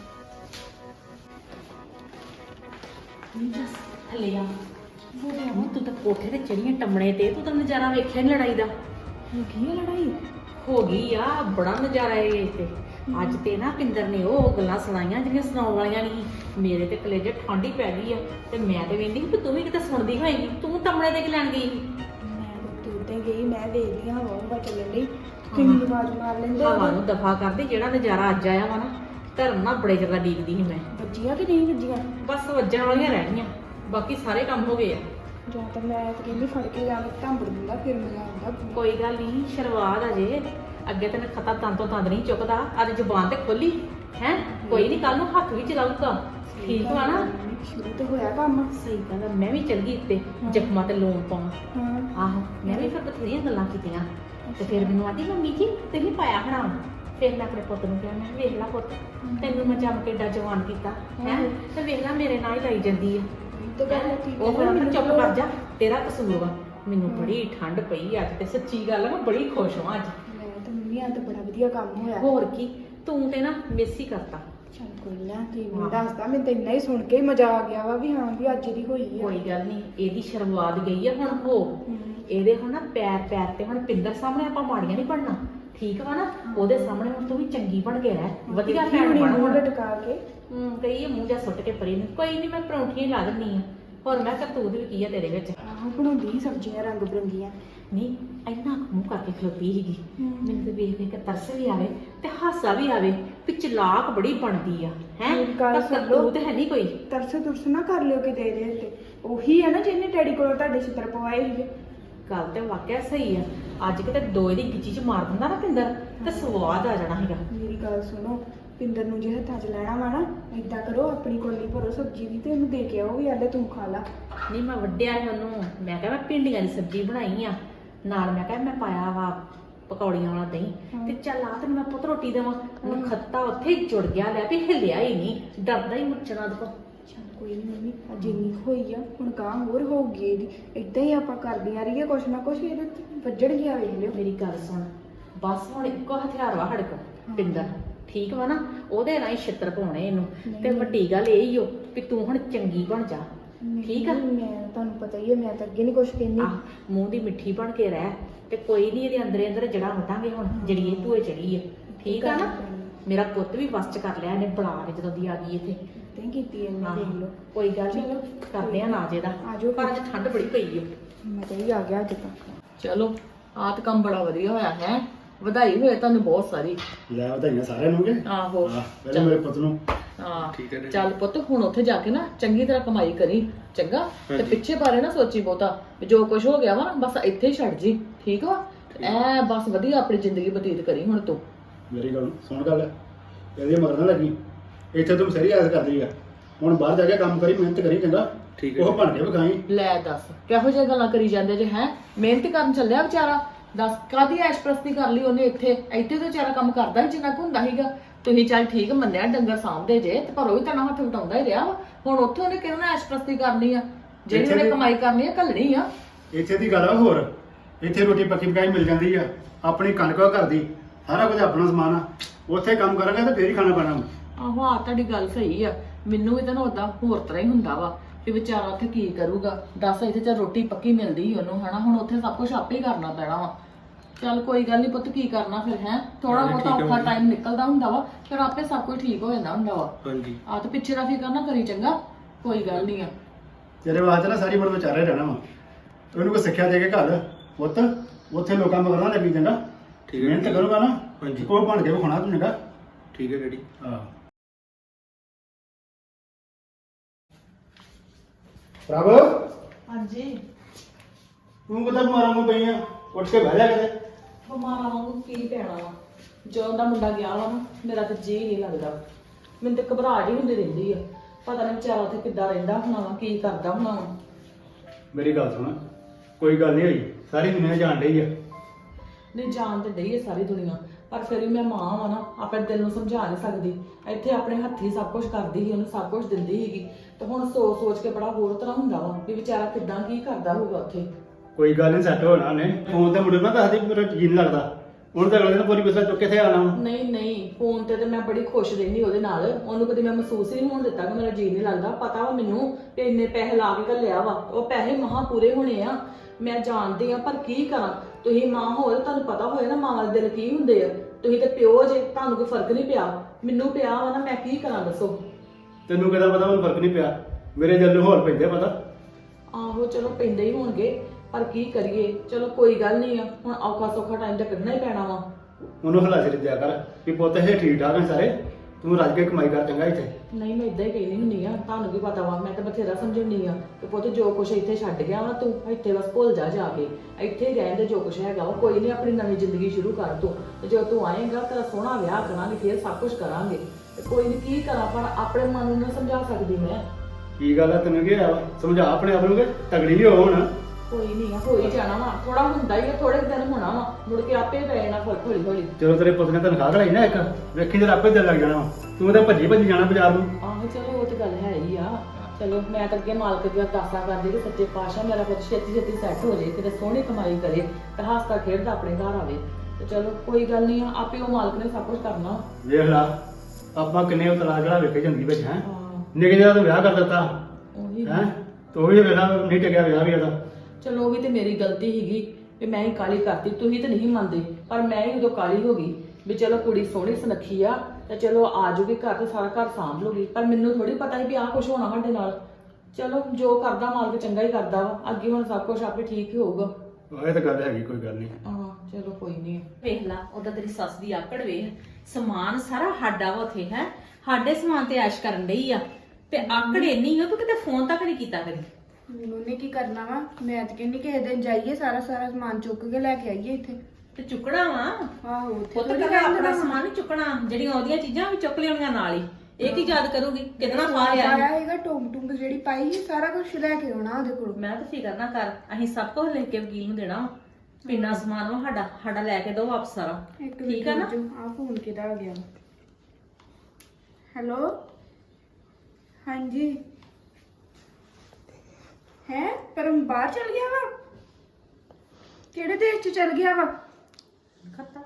ਥੱਲੇ ਆ ਤੂੰ ਤਾਂ ਕੋਠੇ ਤੇ ਚੜੀਆਂ ਟੰਮਣੇ ਤੇ, ਤੂੰ ਤਾਂ ਨਜ਼ਾਰਾ ਵੇਖਿਆ ਨੀ ਲੜਾਈ ਦਾ।
ਹੋ ਗਈ ਆ ਲੜਾਈ?
ਹੋ ਗਈ ਆ, ਬੜਾ ਨਜ਼ਾਰਾ ਇਹ ਇੱਥੇ ਅੱਜ ਤੇ ਨਾ ਪਿੰਦਰ ਨੇ ਉਹ ਗੱਲਾਂ ਸੁਣਾਈਆਂ ਜਿਹੜੀਆਂ ਸੁਣਾਉਣ ਵਾਲੀਆਂ ਨਹੀਂ। ਮੇਰੇ ਤੇ ਕਲੇਜੇ ਠੰਡੀ ਪੈ ਗਈ ਆ, ਤੇ ਮੈਂ ਤੇ ਵੇਂਦੀ ਕਿ ਤੂੰ ਵੀ ਕਿਤੇ ਸੁਣਦੀ ਹੋਏਗੀ। ਤੂੰ ਟੰਮਣੇ ਤੇ ਕਿ ਲੈਣ ਗਈ ਸੀ?
ਮੈਂ ਤਾਂ ਉੱਤੇ ਗਈ, ਮੈਂ ਵੇਖਦੀ ਹਾਂ ਹਵਾ ਚੱਲਣ ਲਈ, ਤੁਸੀਂ ਮੈਨੂੰ ਆਵਾਜ਼ ਮਾਰ ਲੈਂਦੇ
ਹਵਾ ਨੂੰ ਦਫਾ ਕਰਦੇ, ਜਿਹੜਾ ਨਜ਼ਾਰਾ ਅੱਜ ਆਇਆ ਵਾ ਨਾ, ਧਰਮ ਨਾਲ ਬੜੇ ਜਗ੍ਹਾ ਡੀਕਦੀ ਸੀ ਮੈਂ।
ਵੱਜੀਆਂ ਕਿ ਨਹੀਂ ਵੱਜੀਆਂ?
ਬਸ ਵੱਜਣ ਵਾਲੀਆਂ ਰਹਿ ਗਈਆਂ, ਬਾਕੀ ਸਾਰੇ ਕੰਮ ਹੋ ਗਏ ਆ।
ਜਾਂ ਤਾਂ ਮੈਂ ਤਾਂ ਕਹਿੰਦੀ ਫੜ ਕੇ ਲਿਆ ਕੇ ਧੰਬੜ ਦਿੰਦਾ, ਫਿਰ ਮਜ਼ਾ ਆਉਂਦਾ।
ਕੋਈ ਗੱਲ ਨਹੀਂ, ਸ਼ੁਰੂਆਤ ਅਜੇ, ਅੱਗੇ ਤੈਨੂੰ ਖਤਾ ਤੰਦ ਤੋਂ ਤੰਦ ਨਹੀਂ ਚੁੱਕਦਾ। ਅੱਜ ਜ਼ੁਬਾਨ ਤੇ ਖੋਲੀ ਹੈ, ਕੋਈ ਨਹੀਂ, ਕੱਲ ਨੂੰ ਹੱਥ ਵੀ ਚਲਾਊਗਾ, ਠੀਕ ਵਾ ਨਾ?
ਸ਼ੁਰੂ ਤੇ ਹੋਇਆ ਕੰਮ।
ਸਹੀ ਗੱਲ ਆ, ਮੈਂ ਵੀ ਚੱਲ ਗਈ ਉੱਤੇ ਜ਼ਖਮਾਂ ਤੇ ਲੂਣ ਪਾਉਣ।
ਹਾਂ
ਆਹੋ, ਮੈਂ ਵੀ ਫਿਰ ਬਥੇਰੀਆਂ ਗੱਲਾਂ ਕੀਤੀਆਂ, ਤੇ ਫਿਰ ਮੈਨੂੰ ਆਦੀ ਮੰਮੀ ਜੀ ਤੁਸੀਂ ਪਾਇਆ ਹਣਾ। ਫਿਰ ਮੈਂ ਆਪਣੇ ਪੁੱਤ ਨੂੰ ਕਿਹਾ, ਮੈਂ ਕਿਹਾ, ਵੇਖ ਲਾ ਪੁੱਤ, ਤੈਨੂੰ ਮੈਂ ਜੰਮ ਕੇ ਏਡਾ ਜਵਾਨ ਕੀਤਾ ਹੈ, ਤੇ ਵੇਖ ਲਾ ਮੇਰੇ ਨਾਲ ਹੀ ਲਾਈ ਜਾਂਦੀ ਆ।
ਤੇ ਗੱਲ ਠੀਕ
ਉਹ ਫਿਰ ਉਹਨੂੰ ਚੁੱਪ ਕਰ ਜਾ, ਤੇਰਾ ਕਸੂਰ ਵਾ। ਮੈਨੂੰ ਬੜੀ ਠੰਡ ਪਈ ਅੱਜ, ਤੇ ਸੱਚੀ ਗੱਲ ਆ, ਮੈਂ ਬੜੀ ਖੁਸ਼ ਹਾਂ ਅੱਜ।
ਮੈਂ ਤਾਂ ਮੰਮੀ ਆ ਤਾਂ ਬੜਾ ਵਧੀਆ ਕੰਮ ਹੋਇਆ।
ਹੋਰ ਕੀ, ਤੂੰ ਤੇ ਨਾ ਮਿਸ ਹੀ ਕਰਤਾ।
ਚੱਲ ਕੋਈ ਨਾ, ਤੁਸੀਂ ਮੈਨੂੰ ਦੱਸਦਾ, ਮੈਨੂੰ ਤਾਂ ਇੰਨਾ ਹੀ ਸੁਣ ਕੇ ਹੀ ਮਜ਼ਾ ਆ ਗਿਆ ਵਾ ਵੀ ਹਾਂ ਵੀ ਅੱਜ ਦੀ ਹੋਈ ਆ।
ਕੋਈ ਗੱਲ ਨਹੀਂ, ਇਹਦੀ ਸ਼ੁਰੂਆਤ ਗਈ ਆ, ਹੁਣ ਹੋ ਇਹਦੇ ਹੁਣ ਨਾ ਪੈਰ ਪੈਰ ਤੇ ਹੁਣ ਪਿੰਦਰ ਸਾਹਮਣੇ ਆਪਾਂ ਮਾੜੀਆਂ ਨਹੀਂ ਬਣਨਾ, ਠੀਕ ਵਾ ਨਾ? ਉਹਦੇ ਸਾਹਮਣੇ ਹੁਣ ਤੂੰ ਵੀ ਚੰਗੀ ਬਣ ਕੇ ਰਹਿ, ਵਧੀਆ ਭੈਣ ਬਣ।
ਮੂੰਹ ਲਟਕਾ ਕੇ
ਕਈ ਮੂੰਹ ਜਾ ਸੁੱਟ ਕੇ ਪਰੇ ਨੂੰ, ਕੋਈ ਨਹੀਂ, ਮੈਂ ਪਰੌਂਠੀਆਂ ਹੀ ਲਾ ਦਿੰਨੀ ਆ। ਹੋਰ ਮੈਂ ਕਰਤੂਤ ਵੀ ਕੀ ਆ ਤੇਰੇ ਵਿੱਚ।
ਆਹੋ ਬਣਾਉਂਦੀ ਸੀ ਸਬਜ਼ੀਆਂ ਰੰਗ ਬਰੰਗੀਆਂ।
ਨਹੀਂ ਇੰਨਾ ਕੁ ਮੂੰਹ ਕਰਕੇ ਖਲੋਤੀ ਸੀਗੀ
ਹਮ।
ਮੈਨੂੰ ਤੇ ਵੇਖ ਵੇਖ ਕੇ ਤਰਸ ਵੀ ਆਵੇ ਤੇ ਹਾਸਾ ਵੀ ਆਵੇ ਵੀ ਚਲਾਕ ਬੜੀ ਬਣਦੀ ਆ ਹੈ
ਮੇਰੀ ਗੱਲ
ਪਰ
ਸੁਣ ਲਓ।
ਤੂੰ ਤੇ ਹੈ ਨਹੀਂ ਕੋਈ
ਤਰਸ ਤੁਰਸ ਨਾ ਕਰ ਲਿਓ ਕਿਤੇ ਇਹਦੇ ਉੱਤੇ। ਉਹੀ ਆ ਨਾ ਜਿਹਨੇ ਡੈਡੀ ਕੋਲੋਂ ਤੁਹਾਡੇ ਛਿੱਤਰ ਪਵਾਏ ਸੀਗੇ।
ਗੱਲ ਤੇ ਵਾਕਿਆ ਸਹੀ ਆ ਅੱਜ ਕਿਤੇ ਦੋ ਇਹਦੀ ਗਿੱਚੀ ਚ ਮਾਰ ਦਿੰਦਾ ਨਾ ਪਿੰਦਰ ਤੇ ਸਵਾਦ ਆ ਜਾਣਾ ਸੀਗਾ
ਮੇਰੀ ਗੱਲ ਸੁਣੋ, ਪਿੰਦਰ ਨੂੰ ਜੇ ਹੱਥਾਂ 'ਚ ਲੈਣਾ ਵਾ ਨਾ ਏਦਾਂ ਕਰੋ, ਆਪਣੀ ਕੋਲੀ ਭਰੋ ਸਬਜ਼ੀ ਦੀ ਤੇ ਉਹਨੂੰ ਦੇ ਕੇ ਆਓ ਵੀ ਆਲੇ ਤੂੰ ਖਾ ਲਾ।
ਨਹੀਂ ਮੈਂ ਵੱਡਿਆ ਸੀ ਉਹਨੂੰ ਮੈਂ ਕਿਹਾ ਮੈਂ ਭਿੰਡੀਆਂ ਦੀ ਸਬਜ਼ੀ ਬਣਾਈ ਆ ਨਾਲ ਮੈਂ ਕਿਹਾ ਮੈਂ ਪਾਇਆ ਵਾ ਪਕੌੜੀਆਂ ਵਾਲਾ ਦਹੀਂ ਤੇ ਚੱਲ ਆ ਤੈਨੂੰ ਮੈਂ ਪੁੱਤ ਰੋਟੀ ਦੇਵਾਂ ਉਹਨੂੰ ਖੱਤਾ ਉੱਥੇ ਹੀ ਜੁੜ ਗਿਆ ਲੈ ਵੀ ਹਿੱਲਿਆ ਹੀ ਨਹੀਂ ਡਰਦਾ ਹੀ ਮੁੱਛਣਾ ਦੇਖੋ
ਚੱਲ ਕੋਈ ਨਹੀਂ ਮੰਮੀ, ਅੱਜ ਇੰਨੀ ਕੁ ਹੋਈ ਆ, ਹੁਣ ਗਾਂ ਹੋਰ ਹੋਊਗੀ ਇਹਦੀ। ਏਦਾਂ ਹੀ ਆਪਾਂ ਕਰਦੀਆਂ ਰਹੀਏ ਕੁਛ ਨਾ ਕੁਛ, ਇਹਦੇ ਤੇ ਵੱਜੜ ਗਿਆ ਵੇਖ ਲਿਓ।
ਮੇਰੀ ਗੱਲ ਸੁਣ ਬਸ ਹੁਣ ਇੱਕੋ ਹਥਿਆਰ ਵਾ ਸਾਡੇ ਕੋਲ ਪਿੰਦਰ ਠੀਕ ਵਾ ਨਾ ਉਹਦੇ ਨਾਲ ਹੀ ਛਿੱਤਰ ਪਾਉਣੇ ਇਹਨੂੰ ਤੇ ਵੱਡੀ ਗੱਲ ਇਹ ਹੀ ਓ ਵੀ ਤੂੰ ਹੁਣ ਚੰਗੀ ਬਣ ਜਾ ਠੀਕ ਆ
ਮੈਂ ਤੁਹਾਨੂੰ ਪਤਾ ਹੀ ਹੈ, ਮੈਂ ਤਾਂ ਅੱਗੇ ਨਹੀਂ ਕੁਛ ਕਹਿੰਦੀ।
ਆਹ, ਮੂੰਹ ਦੀ ਮਿੱਠੀ ਬਣ ਕੇ ਰਹਿ ਤੇ ਕੋਈ ਨਹੀਂ ਇਹਦੇ ਅੰਦਰੇ ਅੰਦਰ ਜੜਾ ਵਟਾਂਗੇ ਹੁਣ ਜਿਹੜੀ ਇਹ ਭੂਏ ਚੜੀ ਆ ਠੀਕ ਆ ਨਾ ਮੇਰਾ ਪੁੱਤ ਵੀ ਵਸ ਚ ਕਰ ਲਿਆ ਇਹਨੇ ਬਣਾ ਕੇ ਜਦੋਂ ਦੀ ਆ ਗਈ ਇੱਥੇ
ਏਦਾਂ ਹੀ ਕੀਤੀ ਇਹਨੇ, ਦੇਖ ਲਓ।
ਕੋਈ ਗੱਲ ਨਹੀਂ ਕਰਦੇ ਆ ਨਾਜ ਇਹਦਾ
ਆਜੋ
ਪਰ ਅੱਜ ਠੰਡ ਬੜੀ ਪਈ ਓ
ਮੈਂ ਤਾਂ ਹੀ ਆ ਗਿਆ ਅੱਜ ਤੱਕ।
ਚਲੋ ਆਹ ਤਾਂ ਕੰਮ ਬੜਾ ਵਧੀਆ ਹੋਇਆ ਹੈ ਵਧਾਈ ਹੋਏ ਤੁਹਾਨੂੰ ਬਹੁਤ ਸਾਰੀ
ਲੈ ਵਧਾਈਆਂ ਸਾਰਿਆਂ ਨੂੰ ਕਿ
ਆਹੋ
ਪਹਿਲੇ ਮੇਰੇ ਪੁੱਤ ਨੂੰ
ਹਾਂ
ਠੀਕ ਹੈ ਜੀ।
ਚੱਲ ਪੁੱਤ ਹੁਣ ਉੱਥੇ ਜਾ ਕੇ ਨਾ ਚੰਗੀ ਤਰ੍ਹਾਂ ਕਮਾਈ ਕਰੀ ਚੰਗਾ ਤੇ ਪਿੱਛੇ ਬਾਰੇ ਨਾ ਸੋਚੀ ਬਹੁਤਾ ਵੀ ਜੋ ਕੁਝ ਹੋ ਗਿਆ ਵਾ ਨਾ ਬਸ ਇੱਥੇ ਹੀ ਛੱਡ ਜੀ ਠੀਕ ਵਾ ਐ ਬਸ ਵਧੀਆ ਆਪਣੀ ਜ਼ਿੰਦਗੀ ਬਤੀਤ ਕਰੀ ਹੁਣ ਤੂੰ
ਮੇਰੀ ਗੱਲ ਸੁਣ ਗੱਲ ਇਹਦੇ ਮਗਰ ਨਾ ਲੱਗੀ ਇੱਥੇ ਤੂੰ ਸਹੀ ਆਸ ਕਰਦੀ ਆ ਹੁਣ ਬਾਹਰ ਜਾ ਕੇ ਕੰਮ ਕਰੀ ਮਿਹਨਤ ਕਰੀ ਚੰਗਾ
ਠੀਕ ਹੈ
ਉਹ
ਜੀ।
ਬਣ ਕੇ ਵਿਖਾਈ
ਲੈ ਦੱਸ ਕਿਹੋ ਜਿਹੀਆਂ ਗੱਲਾਂ ਕਰੀ ਜਾਂਦੇ ਜੇ ਹੈ ਮਿਹਨਤ ਕਰਨ ਚੱਲਿਆ ਵਿਚਾਰਾ ਦੱਸ ਕਾਦੀ ਐਸ਼ਪ੍ਰਸਤੀ ਕਰ ਲਈ ਉਹਨੇ ਇੱਥੇ ਇੱਥੇ ਤਾਂ ਵਿਚਾਰਾ ਕੰਮ ਕਰਦਾ ਹੀ ਜਿੰਨਾ ਕੁ ਹੁੰਦਾ ਸੀਗਾ ਤੁਸੀਂ ਚੱਲ ਠੀਕ ਮੰਨਿਆ ਡੰਗਰ ਸਾਂਭਦੇ ਜੇ ਤੇ ਪਰ ਉਹ ਵੀ ਤਾਂ ਹੱਥ ਵਟਾਉਂਦਾ ਹੀ ਰਿਹਾ ਵਾ ਹੁਣ ਉੱਥੇ ਉਹਨੇ ਕਿਹਨਾਂ ਨਾਲ ਐਸ਼ਪ੍ਰਸਤੀ ਕਰਨੀ ਆ ਜਿਹੜੀ ਉਹਨੇ ਕਮਾਈ ਕਰਨੀ ਆ ਘੱਲਣੀ ਆ
ਇੱਥੇ ਦੀ ਗੱਲ ਆ ਹੋਰ ਇੱਥੇ ਰੋਟੀ ਪੱਕੀ ਪਕਾਈ ਮਿਲ ਜਾਂਦੀ ਆ ਆਪਣੀ ਕਣਕ ਆ ਘਰ ਦੀ ਸਾਰਾ ਕੁਝ ਆਪਣਾ ਸਮਾਨ ਆ ਉੱਥੇ ਕੰਮ ਕਰਾਂਗੇ ਤਾਂ ਫੇਰ ਹੀ ਖਾਣਾ ਪੈਣਾ
ਆਹੋ ਆ ਤੁਹਾਡੀ ਗੱਲ ਸਹੀ ਆ ਮੈਨੂੰ ਵੀ ਤਾਂ ਉਹਦਾ ਹੋਰ ਤਰ੍ਹਾਂ ਹੀ ਹੁੰਦਾ ਵਾ ਵੀ ਵਿਚਾਰਾ ਉੱਥੇ ਕੀ ਕਰੂਗਾ ਦੱਸ ਇੱਥੇ ਤਾਂ ਰੋਟੀ ਪੱਕੀ ਮਿਲਦੀ ਹੀ ਉਹਨੂੰ ਹਨਾ ਹੁਣ ਉੱਥੇ ਸਭ ਕੁਝ ਆਪੇ ਹੀ ਕਰਨਾ ਪੈਣਾ ਵਾ ਚੱਲ ਕੋਈ ਗੱਲ ਨਹੀਂ ਪੁੱਤ ਕੀ ਕਰਨਾ ਫਿਰ ਹੈ ਥੋੜਾ ਬਹੁਤਾ ਔਖਾ ਟਾਈਮ ਨਿਕਲਦਾ ਹੁੰਦਾ ਵਾ ਫਿਰ ਆਪੇ ਸਭ ਕੁਝ ਠੀਕ ਹੋ ਜਾਂਦਾ ਹੁੰਦਾ ਵਾ
ਹਾਂਜੀ
ਆ ਤੇ ਪਿੱਛੇ ਦਾ ਫਿਕਰ ਨਾ ਕਰੀ ਚੰਗਾ ਕੋਈ ਗੱਲ ਨਹੀਂ ਆ
ਤੇਰੇ ਵਾਸਤੇ ਨਾ ਸਾਰੀ ਉਮਰ ਵਿਚਾਰੇ ਰਹਿਣਾ ਵਾ ਉਹਨੂੰ ਕੋਈ ਸਿੱਖਿਆ ਦੇ ਕੇ ਘਰ ਪੁੱਤ ਉੱਥੇ ਲੋਕਾਂ ਮਗਰ ਨਾ ਲੱਗੀ ਚੰਗਾ
ਠੀਕ ਹੈ
ਮਿਹਨਤ ਕਰੂਗਾ ਨਾ
ਹਾਂਜੀ।
ਕੋਈ ਬਣ ਕੇ ਵਿਖਾਉਣਾ ਤੂੰ ਚੰਗਾ
ਠੀਕ ਹੈ ਡੈਡੀ
ਹਾਂ ਪ੍ਰਭ
ਹਾਂਜੀ
ਤੂੰ ਕਿੱਦਾਂ ਮਾਰਾਂ ਨੂੰ ਪਈ ਆ ਉੱਠ ਕੇ ਬਹਿ ਜਾ ਕਿਤੇ
ਬਿਮਾਰਾਂ ਵਾਂਗੂ ਕੀ ਪੈਣਾ ਵਾ ਜਦੋਂ ਦਾ ਮੁੰਡਾ ਗਿਆ ਵਾ ਨਾ ਮੇਰਾ ਤਾਂ ਜੀ ਨਹੀਂ ਲੱਗਦਾ ਮੈਨੂੰ ਤੇ ਘਬਰਾਹਟ ਹੀ ਹੁੰਦੀ ਰਹਿੰਦੀ ਆ ਪਤਾ ਨਹੀਂ ਵਿਚਾਰਾ ਉੱਥੇ ਕਿੱਦਾਂ ਰਹਿੰਦਾ ਹੋਣਾ ਵਾ ਕੀ ਕਰਦਾ ਹੋਣਾ ਵਾ
ਮੇਰੀ ਗੱਲ ਸੁਣ ਕੋਈ ਗੱਲ ਨਹੀਂ ਹੋਈ ਸਾਰੀ ਦੁਨੀਆ ਜਾਣ ਰਹੀ ਆ
ਨਹੀਂ ਜਾਣ ਤੇ ਡਈ ਹੈ ਸਾਰੀ ਦੁਨੀਆ ਪਰ ਫਿਰ ਵੀ ਮੈਂ ਮਾਂ ਵਾਂ ਨਾ ਆਪਣੇ ਦਿਲ ਨੂੰ ਸਮਝਾ ਨਹੀਂ ਸਕਦੀ ਇੱਥੇ ਆਪਣੇ ਹੱਥੀਂ ਸਭ ਕੁਝ ਕਰਦੀ ਸੀ ਉਹਨੂੰ ਸਭ ਕੁਝ ਦਿੰਦੀ ਸੀਗੀ ਤੇ ਹੁਣ ਸੋਚ ਸੋਚ ਕੇ ਬੜਾ ਹੋਰ ਤਰ੍ਹਾਂ ਹੁੰਦਾ ਵਾ ਵੀ ਵਿਚਾਰਾ ਕਿੱਦਾਂ ਕੀ ਕਰਦਾ ਹੋਊਗਾ ਉੱਥੇ
ਕੋਈ ਗੱਲ ਨਹੀਂ ਸੈੱਟ ਹੋਣਾ ਉਹਨੇ ਫੋਨ ਤੇ ਮੁੰਡੇ ਨੂੰ ਨਾ ਦੱਸਦੀ ਮੇਰਾ ਜੀ ਨਹੀਂ ਲੱਗਦਾ ਹੁਣ ਤਾਂ ਅਗਲੇ ਦਿਨ ਪੂਰੀ ਬਿਸਲਾ ਚੁੱਕ ਕੇ ਇੱਥੇ ਆਣਾ ਵਾ
ਨਹੀਂ ਨਹੀਂ ਫੋਨ ਤੇ ਮੈਂ ਬੜੀ ਖੁਸ਼ ਰਹਿੰਦੀ ਉਹਦੇ ਨਾਲ ਉਹਨੂੰ ਕਦੇ ਮੈਂ ਮਹਿਸੂਸ ਹੀ ਨਹੀਂ ਹੋਣ ਦਿੱਤਾ ਕਿ ਮੇਰਾ ਜੀ ਨਹੀਂ ਲੱਗਦਾ ਪਤਾ ਵਾ ਮੈਨੂੰ ਕਿ ਇੰਨੇ ਪੈਸੇ ਲਾ ਕੇ ਘੱਲਿਆ ਵਾ ਉਹ ਪੈਸੇ ਮਹਾ ਪੂਰੇ ਹੋਣੇ ਆ ਮੈਂ ਜਾਣਦੀ ਆ ਪਰ ਕੀ ਕਰਾਂ ਤੁਸੀਂ ਮਾਂ ਹੋਏ ਤੁਹਾਨੂੰ ਪਤਾ ਹੋਏ ਨਾ ਮਾਂ ਦੇ ਦਿਲ ਕੀ ਹੁੰਦੇ ਆ ਤੁਸੀਂ ਤੇ ਪਿਓ ਜੇ ਤੁਹਾਨੂੰ ਕੋਈ ਫਰਕ ਨਹੀਂ ਪਿਆ ਮੈਨੂੰ ਪਿਆ ਵਾ ਨਾ ਮੈਂ ਕੀ ਕਰਾਂ ਦੱਸੋ
ਤੈਨੂੰ ਕਿਹਦਾ ਪਤਾ ਮੈਨੂੰ ਫਰਕ ਨਹੀਂ ਪਿਆ ਮੇਰੇ ਦਿਲ ਨੂੰ ਹੋਰ ਪੈਂਦੇ ਪਤਾ
ਆਹੋ ਚਲੋ ਪੈਂਦੇ ਹੀ ਹੋਣਗੇ ਪਰ ਕੀ ਕਰੀਏ ਚਲੋ ਕੋਈ ਗੱਲ ਨਹੀਂ ਆ ਹੁਣ ਔਖਾ ਸੌਖਾ ਟਾਈਮ ਤਾਂ ਕੱਢਣਾ ਹੀ ਪੈਣਾ ਵਾ
ਉਹਨੂੰ ਹਲਾ ਸਿਰ ਦਿਆ ਕਰ ਵੀ ਪੁੱਤ ਇਹ ਠੀਕ ਠਾਕ ਨੇ ਸਾਰੇ ਤੂੰ ਰੱਜ ਕੇ ਕਮਾਈ ਕਰ ਚੰਗਾ ਇੱਥੇ
ਨਹੀਂ ਮੈਂ ਇਦਾਂ ਹੀ ਕਹਿੰਦੀ ਹੁੰਦੀ ਆ ਤੁਹਾਨੂੰ ਕੀ ਪਤਾ ਵਾ ਮੈਂ ਤਾਂ ਬਥੇਰਾ ਸਮਝਾਉਂਦੀ ਆ ਕਿ ਪੁੱਤ ਜੋ ਕੁਛ ਇੱਥੇ ਛੱਡ ਗਿਆ ਵਾ ਤੂੰ ਇੱਥੇ ਬਸ ਭੁੱਲ ਜਾ ਜਾ ਕੇ ਇੱਥੇ ਹੀ ਰਹਿਣ ਦੇ ਜੋ ਕੁਛ ਹੈਗਾ ਵਾ ਕੋਈ ਨਹੀਂ ਆਪਣੀ ਨਵੀਂ ਜ਼ਿੰਦਗੀ ਸ਼ੁਰੂ ਕਰ ਤੂੰ ਤੇ ਜਦੋਂ ਤੂੰ ਆਏਂਗਾ ਤੇਰਾ ਸੋਹਣਾ ਵਿਆਹ ਕਰਾਂਗੇ ਫੇਰ ਸਭ ਕੁਝ ਕਰਾਂਗੇ ਤੇ ਕੋਈ ਨਹੀਂ ਕੀ ਕਰਾਂ ਪਰ ਆਪਣੇ ਮਨ ਨੂੰ ਨਾ ਸਮਝਾ ਸਕਦੀ ਮੈਂ
ਕੀ ਗੱਲ ਆ ਤੈਨੂੰ ਕੀ ਆ ਸਮਝਾ ਆਪਣੇ ਆਪ ਨੂੰ ਕਿ ਤਗੜੀ ਵੀ ਹੋ ਹੁਣ
ਕੋਈ ਨਹੀਂ ਆ ਹੋ ਹੀ ਜਾਣਾ ਵਾ ਥੋੜਾ ਹੁੰਦਾ ਹੀ ਆ ਥੋੜੇ ਦਿਨ ਹੋਣਾ ਵਾ ਮੁੜ ਕੇ ਆਪੇ ਪੈ ਜਾਣਾ ਫਰਕ ਹੌਲੀ ਹੌਲੀ
ਜਦੋਂ ਤੇਰੇ ਪੁੱਤ ਨੇ ਤਨਖਾਹ ਕਢਾਈ ਨਾ ਇੱਕ ਵੇਖੀ ਜਦ ਆਪੇ ਦਿਲ ਲੱਗ ਜਾਣਾ ਵਾ ਤੂੰ ਤਾਂ ਭੱਜੀ ਭੱਜੀ ਜਾਣਾ ਬਾਜ਼ਾਰ ਨੂੰ
ਆਹੋ ਚਲੋ ਉਹ ਤੇ ਗੱਲ ਹੈ ਹੀ ਆ ਚਲੋ ਮੈਂ ਤਾਂ ਅੱਗੇ ਮਾਲਕ ਦੀਆਂ ਅਰਦਾਸਾਂ ਕਰਦੀ ਕਿ ਸੱਚੇ ਪਾਤਸ਼ਾਹ ਮੇਰਾ ਪੁੱਤ ਛੇਤੀ ਛੇਤੀ ਸੈੱਟ ਹੋ ਜਾਏ ਕਿਤੇ ਸੋਹਣੀ ਕਮਾਈ ਕਰੇ ਤੇ ਹੱਸਦਾ ਖੇਡਦਾ ਆਪਣੇ ਘਰ ਆਵੇ ਤੇ ਚਲੋ ਕੋਈ ਗੱਲ ਨਹੀਂ ਆ ਆਪੇ ਉਹ ਮਾਲਕ ਨੇ ਸਭ ਕੁਝ ਕਰਨਾ
ਵੇਖ ਲਾ ਆਪਾਂ ਕਿੰਨੇ ਉਤਲਾ ਜਿਹੜਾ ਵੇਖੇ ਜਾਂਦੀ ਵਿੱਚ ਹੈ
ਹਾਂ
ਨਿੱਕੇ ਜਿਹਾ ਤਾਂ ਵਿਆਹ ਕਰ ਦਿੱਤਾ
ਉਹੀ
ਹੈ ਤੇ ਉਹ ਵੀ ਵੇਖਾ ਨਹੀਂ ਟਿਕਿਆ ਵਿਆਹ ਵੀ ਇਹਦਾ
ਚਲੋ ਉਹ ਵੀ ਤੇ ਮੇਰੀ ਗਲਤੀ ਸੀਗੀ ਕਿ ਮੈਂ ਹੀ ਕਾਲੀ ਕਰਤੀ ਤੁਸੀਂ ਤੇ ਨਹੀਂ ਮੰਨਦੇ ਪਰ ਮੈਂ ਹੀ ਉਦੋਂ ਕਾਲੀ ਹੋ ਗਈ ਵੀ ਚਲੋ ਕੁੜੀ ਸੋਹਣੀ ਸੁਨੱਖੀ ਆ ਤੇ ਚਲੋ ਆ ਜੂਗੀ ਘਰ ਤੇ ਸਾਰਾ ਘਰ ਸਾਂਭ ਲੂਗੀ ਪਰ ਮੈਨੂੰ ਥੋੜੀ ਪਤਾ ਸੀ ਵੀ ਆਹ ਕੁਝ ਹੋਣਾ ਸਾਡੇ ਨਾਲ ਚਲੋ ਜੋ ਕਰਦਾ ਮਾਲਕ ਚੰਗਾ ਹੀ ਕਰਦਾ ਵਾ, ਅੱਗੇ ਹੁਣ ਸਭ ਕੁਝ ਆਪੇ ਠੀਕ ਹੀ ਹੋਊਗਾ।
ਇਹ ਤਾਂ ਗੱਲ ਹੈਗੀ, ਕੋਈ ਗੱਲ ਨਹੀਂ।
ਹਾਂ ਚਲੋ ਕੋਈ ਨਹੀਂ।
ਵੇਖ ਲਾ ਉਹਦਾ ਤੇਰੀ ਸੱਸ ਦੀ ਆਕੜ ਵੇਖ, ਸਮਾਨ ਸਾਰਾ ਸਾਡਾ ਵਾ ਉੱਥੇ ਹੈ, ਸਾਡੇ ਸਮਾਨ ਤੇ ਐਸ਼ ਕਰਨ ਡਈ ਆ ਤੇ ਆਕੜ ਇੰਨੀ ਆ ਕਿ ਕਿਤੇ ਫੋਨ ਤੱਕ ਨਹੀਂ ਕੀਤਾ ਕਦੀ।
ਉਹਨੇ ਕੀ ਕਰਨਾ ਵਾ, ਮੈਂ ਤਾਂ ਕਹਿੰਦੀ ਕਿਸੇ ਦਿਨ ਜਾਈਏ ਸਾਰਾ ਸਮਾਨ ਚੁੱਕ ਕੇ ਲੈ ਕੇ ਆਈਏ ਇੱਥੇ।
ਤੇ ਚੁੱਕਣਾ ਵਾ
ਆਹੋ ਉੱਥੇ
ਉਹ ਤਾਂ
ਥੋੜ੍ਹੀ
ਕਹਿੰਦਾ
ਰਹਿਣ
ਆਪਣਾ
ਦੇਣਾ।
ਸਮਾਨ ਨਹੀਂ ਚੁੱਕਣਾ, ਜਿਹੜੀਆਂ ਉਹਦੀਆਂ ਚੀਜ਼ਾਂ ਵੀ ਚੁੱਕ ਲਿਆਉਣੀਆਂ ਨਾਲ ਹੀ। ਇਹ ਕੀ ਯਾਦ ਕਰੂਗੀ ਕਿਦਣਾ ਖਾ
ਪਾਇਆ
ਲਿਆ।
ਹੈਗਾ ਟੁੰਗ ਜਿਹੜੀ ਪਾਈ ਸੀ, ਸਾਰਾ ਕੁਝ ਲੈ ਕੇ ਆਉਣਾ ਉਹਦੇ ਕੋਲ।
ਮੈਂ ਤਾਂ ਫਿਕਰ ਨਾ ਕਰ, ਅਸੀਂ ਸਭ ਕੁਝ ਲਿਖ ਕੇ ਵਕੀਲ ਨੂੰ ਦੇਣਾ। ਪਿੰਨਾ ਸਮਾਨ ਵਾ ਸਾਡਾ ਲੈ ਕੇ ਦੋ ਵਾਪਸ ਸਾਰਾ,
ਇੱਕ
ਠੀਕ ਆ ਨਾ?
ਆ ਫੋਨ ਕਿਹਦਾ ਆ ਗਿਆ? ਹੈਲੋ ਹਾਂਜੀ ਹੈ ਪਰਮ ਬਾਹਰ ਚਲ ਗਿਆ ਵਾ? ਕਿਹੜੇ ਦੇਸ਼ ਚ ਚਲ ਗਿਆ ਵਾ?
ਖੱਤਾ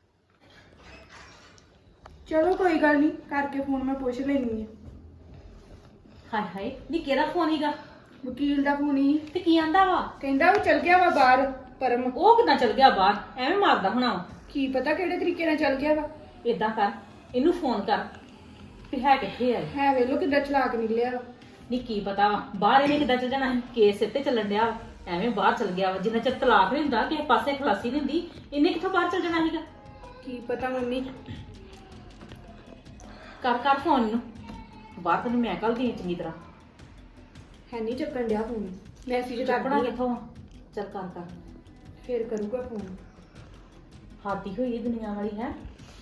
ਚਲੋ ਕੋਈ ਗੱਲ ਨਹੀਂ, ਕਰਕੇ ਫੋਨ ਮੈਂ ਪੁੱਛ ਲੈਣੀ ਆ।
ਹਾਏ ਹਾਏ ਨੀ ਕਿਹੜਾ ਫੋਨ ਹੀਗਾ?
ਵਕੀਲ ਦਾ ਫੋਨ ਹੀ
ਤੇ ਕੀ ਆਂਦਾ ਵਾ?
ਕਹਿੰਦਾ ਉਹ ਚਲ ਗਿਆ ਵਾ ਬਾਹਰ ਪਰਮ।
ਉਹ ਕਿੱਦਾਂ ਚਲ ਗਿਆ ਬਾਹਰ? ਐਵੇਂ ਮਾਰਦਾ ਹੋਣਾ ਵਾ।
ਕੀ ਪਤਾ ਕਿਹੜੇ ਤਰੀਕੇ ਨਾਲ ਚਲ ਗਿਆ ਵਾ।
ਏਦਾਂ ਕਰ, ਇਹਨੂੰ ਫੋਨ ਕਰ ਵੀ ਹੈ ਕਿੱਥੇ ਆ।
ਹੈ ਵੇਲੋ ਕਿੱਦਾਂ ਚਲਾਕ ਨਿਕਲਿਆ ਵਾ।
ਨੀ ਕੀ ਪਤਾ ਵਾ ਬਾਹਰ ਇਹਨੇ ਕਿੱਦਾਂ ਚੱਲ ਜਾਣਾ ਸੀ, ਕੇਸ ਇੱਥੇ ਚੱਲਣ ਡਿਆ ਵਾ, ਐਵੇਂ ਬਾਹਰ ਚੱਲ ਗਿਆ ਵਾ। ਜਿੰਨਾ ਚਿਰ ਤਲਾਕ ਨਹੀਂ ਹੁੰਦਾ ਕਿਸੇ ਪਾਸੇ ਖਲਾਸੀ ਨਹੀਂ ਹੁੰਦੀ, ਇਹਨੇ ਕਿੱਥੋਂ ਬਾਹਰ ਚੱਲ ਜਾਣਾ ਸੀਗਾ?
ਕੀ ਪਤਾ ਮੰਮੀ।
ਕਰ ਫੋਨ ਨੂੰ, ਬਾਹਰ ਤੈਨੂੰ ਮੈਂ ਕੱਲ ਦੀ ਚੰਗੀ ਤਰ੍ਹਾਂ।
ਹੈ ਨਹੀਂ ਚੱਕਣ ਡਿਆ ਫੋਨ, ਮੈਸੇਜ
ਚੱਕਣਾ
ਕਰਦੀ ਆ,
ਕਿੱਥੋਂ? ਚੱਲ ਕਰ
ਫੇਰ ਕਰੂਗਾ ਫੋਨ।
ਹਾਦੀ ਹੋਈ ਇਹ ਦੁਨੀਆ ਵਾਲੀ ਹੈ।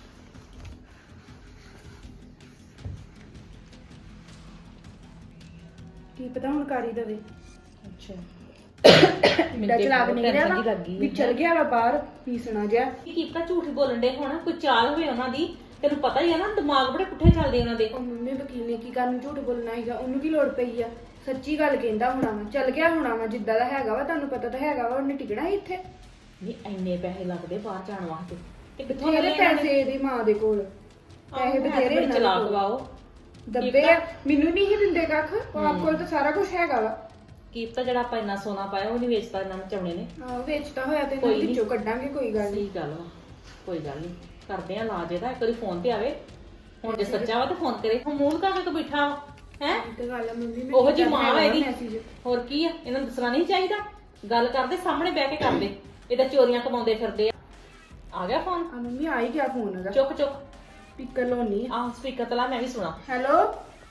ਕੀ ਪਤਾ ਹੁਣ ਕਰ ਹੀ ਦਵੇ।
ਅੱਛਾ
ਕਿੱਦਾਂ ਚਲਾਕ ਨਿਕਲਿਆ ਵਾ ਵੀ ਚਲ ਗਿਆ ਵਾ ਬਾਹਰ ਪੀਸਣਾ ਜਿਹਾ।
ਕੀ ਪਤਾ ਝੂਠ ਬੋਲਣ ਦੇ ਹੋਣਾ, ਕੋਈ ਚਾਲ ਹੋਵੇ ਉਹਨਾਂ ਦੀ। ਤੈਨੂੰ ਪਤਾ ਹੀ ਆ ਨਾ, ਦਿਮਾਗ ਬੜੇ ਪੁੱਠੇ ਚੱਲਦੇ ਉਹਨਾਂ ਦੇ।
ਉਹ ਮੰਮੀ ਵਕੀਲ ਨੇ ਕੀ ਕਰਨ ਝੂਠ ਬੋਲਣਾ ਹੈਗਾ, ਉਹਨੂੰ ਕੀ ਲੋੜ ਪਈ ਆ? ਸੱਚੀ ਗੱਲ ਕਹਿੰਦਾ ਹੋਣਾ ਵਾ, ਚਲ ਗਿਆ ਹੋਣਾ ਵਾ ਜਿੱਦਾਂ ਦਾ ਹੈਗਾ ਵਾ। ਤੁਹਾਨੂੰ ਪਤਾ ਤਾਂ ਹੈਗਾ ਵਾ ਉਹਨੇ ਟਿਕਣਾ ਹੀ ਇੱਥੇ।
ਨਹੀਂ ਇੰਨੇ ਪੈਸੇ ਲੱਗਦੇ ਬਾਹਰ ਜਾਣ ਵਾਸਤੇ ਤੇ ਕਿੱਥੋਂ
ਬਥੇਰੇ
ਲੈਣੇ ਇਹਨਾਂ ਨੇ?
ਪੈਸੇ ਇਹਦੀ ਮਾਂ ਦੇ ਕੋਲ, ਪੈਸੇ ਬਥੇਰੇ ਇਹਨਾਂ ਦੇ
ਚਲਾਕ
ਕੋਲ।
ਵਾ ਉਹ।
ਦੱਬੇ ਆ, ਮੈਨੂੰ ਨਹੀਂ ਹੀ ਦਿੰਦੇ ਕੱਖ, ਉਹ ਆਪ ਕੋਲ ਤਾਂ ਸਾਰਾ ਕੁਝ ਹੈਗਾ ਵਾ।
ਕੀ ਪਤਾ ਜਿਹੜਾ ਆਪਾਂ ਇੰਨਾ ਸੋਨਾ ਪਾਇਆ ਉਹ ਨਹੀਂ ਵੇਚਦਾ ਇਹਨਾਂ ਨੂੰ ਚਾਉਣੇ ਨੇ।
ਆਹ ਵੇਚਦਾ ਹੋਇਆ ਤੇ
ਕੋਈ
ਇਹਨਾਂ
ਨੀ।
ਵਿੱਚੋਂ ਕੱਢਾਂਗੇ, ਕੋਈ ਗੱਲ ਨਹੀਂ।
ਸਹੀ ਗੱਲ ਵਾ, ਕੋਈ ਗੱਲ ਨਹੀਂ ਕਰਦੇ ਆ ਇਲਾਜ ਇਹਦਾ। ਇੱਕ ਵਾਰੀ ਫੋਨ ਤੇ ਆਵੇ, ਹੁਣ ਜੇ ਸੱਚਾ ਵਾ ਤਾਂ ਫੋਨ ਕਰੇ। ਹੁਣ ਮੂੰਹ ਲਗਾ ਕੇ ਬੈਠਾ ਵਾ ਹੈ।
ਤੇ ਗੱਲ ਆ ਮੰਮੀ, ਮੈਂ
ਉਹੋ ਜੀ
ਕੀਤਾ
ਮਾਂ
ਹੈਗਾ
ਵਾ ਇਹਦੀ।
message।
ਹੋਰ ਕੀ ਆ, ਇਹਨਾਂ ਨੂੰ ਦੱਸਣਾ ਨਹੀਂ ਚਾਹੀਦਾ? ਗੱਲ ਕਰਦੇ ਸਾਹਮਣੇ ਬਹਿ ਕੇ ਕਰਦੇ, ਇਹਦਾ ਚੋਰੀਆਂ ਕਮਾਉਂਦੇ ਫਿਰਦੇ ਆ ਗਿਆ ਫੋਨ?
ਆ ਮੰਮੀ ਆ ਹੀ ਗਿਆ ਫੋਨ ਉਹਦਾ।
ਚੁੱਕ
ਸਪੀਕਰ ਲਾਉਣੀ ਆ।
ਆਹ ਸਪੀਕਰ ਤੇ ਲਾ, ਮੈਂ ਵੀ ਸੁਣਾ।
ਹੈਲੋ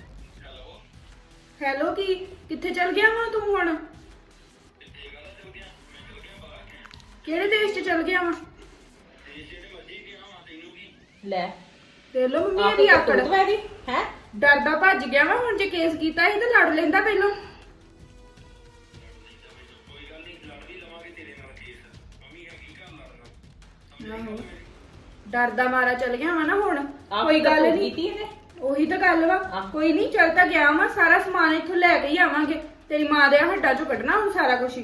ਹੈਲੋ ਕੀ ਕਿੱਥੇ ਚਲ ਗਿਆ ਵਾ ਤੂੰ ਹੁਣ? ਕਿਹੜੇ ਦੇਸ਼ ਚ ਚਲ ਗਿਆ ਵਾ?
ਲੈ
ਦੇਖ ਲੋ ਮੰਮੀ
ਆਹ
ਇਹਦੀ
ਕੋਈ
ਆਕੜ।
ਕਰਤੂਤ ਵਾ ਇਹਦੀ ਹੈ।
ਡਰਦਾ ਭੱਜ ਗਿਆ ਵਾ, ਹੁਣ ਜੇ ਕੇਸ ਕੀਤਾ ਸੀ ਤਾਂ ਲੜ ਲੈਂਦਾ ਪਹਿਲਾਂ। ਆਹੋ। ਡਰਦਾ ਮਾਰਾ ਚਲ ਗਿਆ ਵਾ ਨਾ ਹੁਣ।
ਆਹ
ਕੋਈ ਗੱਲ
ਕਰਤੂਤ
ਨਹੀਂ,
ਕੀਤੀ ਇਹਨੇ।
ਉਹੀ ਤਾਂ ਗੱਲ ਵਾ।
ਆਹ।
ਕੋਈ ਨਹੀਂ, ਚੱਲ ਤਾਂ ਗਿਆ ਵਾ, ਸਾਰਾ ਸਮਾਨ ਇੱਥੋਂ ਲੈ ਕੇ ਹੀ ਆਵਾਂਗੇ। ਤੇਰੀ ਮਾਂ ਦੇ ਹੱਡਾਂ ਚੋਂ ਕੱਢਣਾ ਹੁਣ ਸਾਰਾ ਕੁਝ ਹੀ।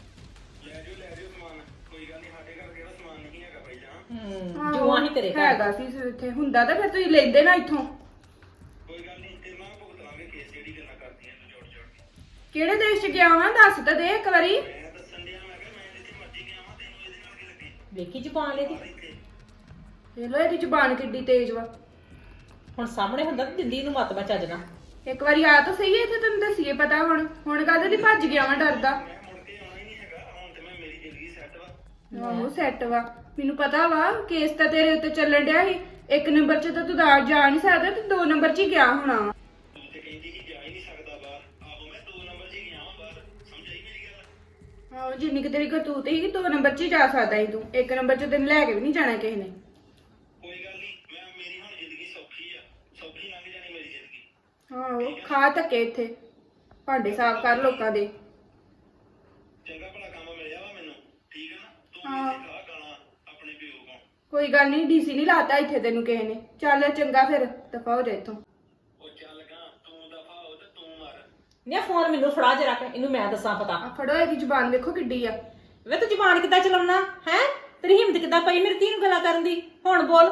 ਆਹੋ,
ਜੂਆਂ ਹੀ ਤੇਰੇ ਘਰ।
ਹੈਗਾ ਸੀ ਇੱਥੇ, ਹੁੰਦਾ ਤਾਂ ਫਿਰ ਤੁਸੀਂ ਲੈਂਦੇ ਨਾ ਇੱਥੋਂ। ਕਿਹੜੇ ਦੇਸ਼ ਚ ਗਿਆ ਵਾ ਦੱਸ ਤਾਂ ਦੇ ਇੱਕ ਵਾਰੀ।
ਵੇਖੀ ਜ਼ੁਬਾਨ ਇਹਦੀ।
ਦੇਖ ਲੋ ਇਹਦੀ ਜ਼ੁਬਾਨ ਕਿੱਡੀ ਤੇਜ਼ ਵਾ।
ਹੁਣ ਸਾਹਮਣੇ ਹੁੰਦਾ ਤੇ ਦਿੰਦੀ ਨੂੰ ਮਤ ਬਚਾ ਜਣਾ।
ਇੱਕ ਵਾਰੀ ਆ ਤਾਂ ਸਹੀ, ਇੱਥੇ ਤੈਨੂੰ ਦੱਸੀਏ ਪਤਾ। ਹੁਣ ਕਾਹਦੇ ਦੀ ਭੱਜ ਗਿਆ ਵਾ ਡਰਦਾ। ਆਹੋ ਸੈੱਟ ਵਾ, ਮੈਨੂੰ ਪਤਾ ਵਾ। ਕੇਸ ਤਾਂ ਤੇਰੇ ਉੱਤੇ ਚੱਲਣ ਡਿਆ ਸੀ। ਇੱਕ ਨੰਬਰ 'ਚ ਤਾਂ ਤੂੰ ਜਾ ਨਹੀਂ ਸਕਦਾ ਤੇ 2 ਨੰਬਰ 'ਚ ਹੀ ਗਿਆ ਹੋਣਾ ਵਾ। ਆਹੋ ਜਿੰਨੀ ਕਿ ਤੇਰੀ ਕਰਤੂਤ ਸੀ 2 ਨੰਬਰ 'ਚ ਹੀ ਜਾ ਸਕਦਾ ਸੀ ਤੂੰ। 1 ਨੰਬਰ 'ਚ ਤੈਨੂੰ ਲੈ ਕੇ ਵੀ ਨਹੀਂ ਜਾਣਾ ਕਿਸੇ ਨੇ। ਆਹੋ ਖਾ ਧੱਕੇ ਇੱਥੇ, ਭਾਂਡੇ ਸਾਫ਼ ਕਰ ਲੋਕਾਂ ਦੇ। ਹਾਂ ਕੋਈ ਗੱਲ ਨਹੀਂ, ਡੀਸੀ ਨਹੀਂ ਲਾਤਾ ਇੱਥੇ ਤੈਨੂੰ ਕਿਸੇ ਨੇ। ਚੱਲ ਚੰਗਾ ਫਿਰ, ਦਫਾ ਹੋ ਜਾ ਇੱਥੋਂ।
ਨਹੀਂ ਫੋਨ ਮੈਨੂੰ ਫੜਾ ਜੇ ਰੱਖ, ਇਹਨੂੰ ਮੈਂ ਦੱਸਾਂ ਪਤਾ।
ਆ ਫੜੋ, ਇਹਦੀ ਜ਼ੁਬਾਨ ਵੇਖੋ ਕਿੱਡੀ ਆ।
ਵੇ ਤੂੰ ਜ਼ੁਬਾਨ ਕਿੱਦਾਂ ਚਲਾਉਣਾ ਹੈ? ਤੇਰੀ ਹਿੰਮਤ ਕਿੱਦਾਂ ਪਈ ਮੇਰੀ ਧੀ ਨੂੰ ਗੱਲਾਂ ਕਰਨ ਦੀ? ਹੁਣ ਬੋਲ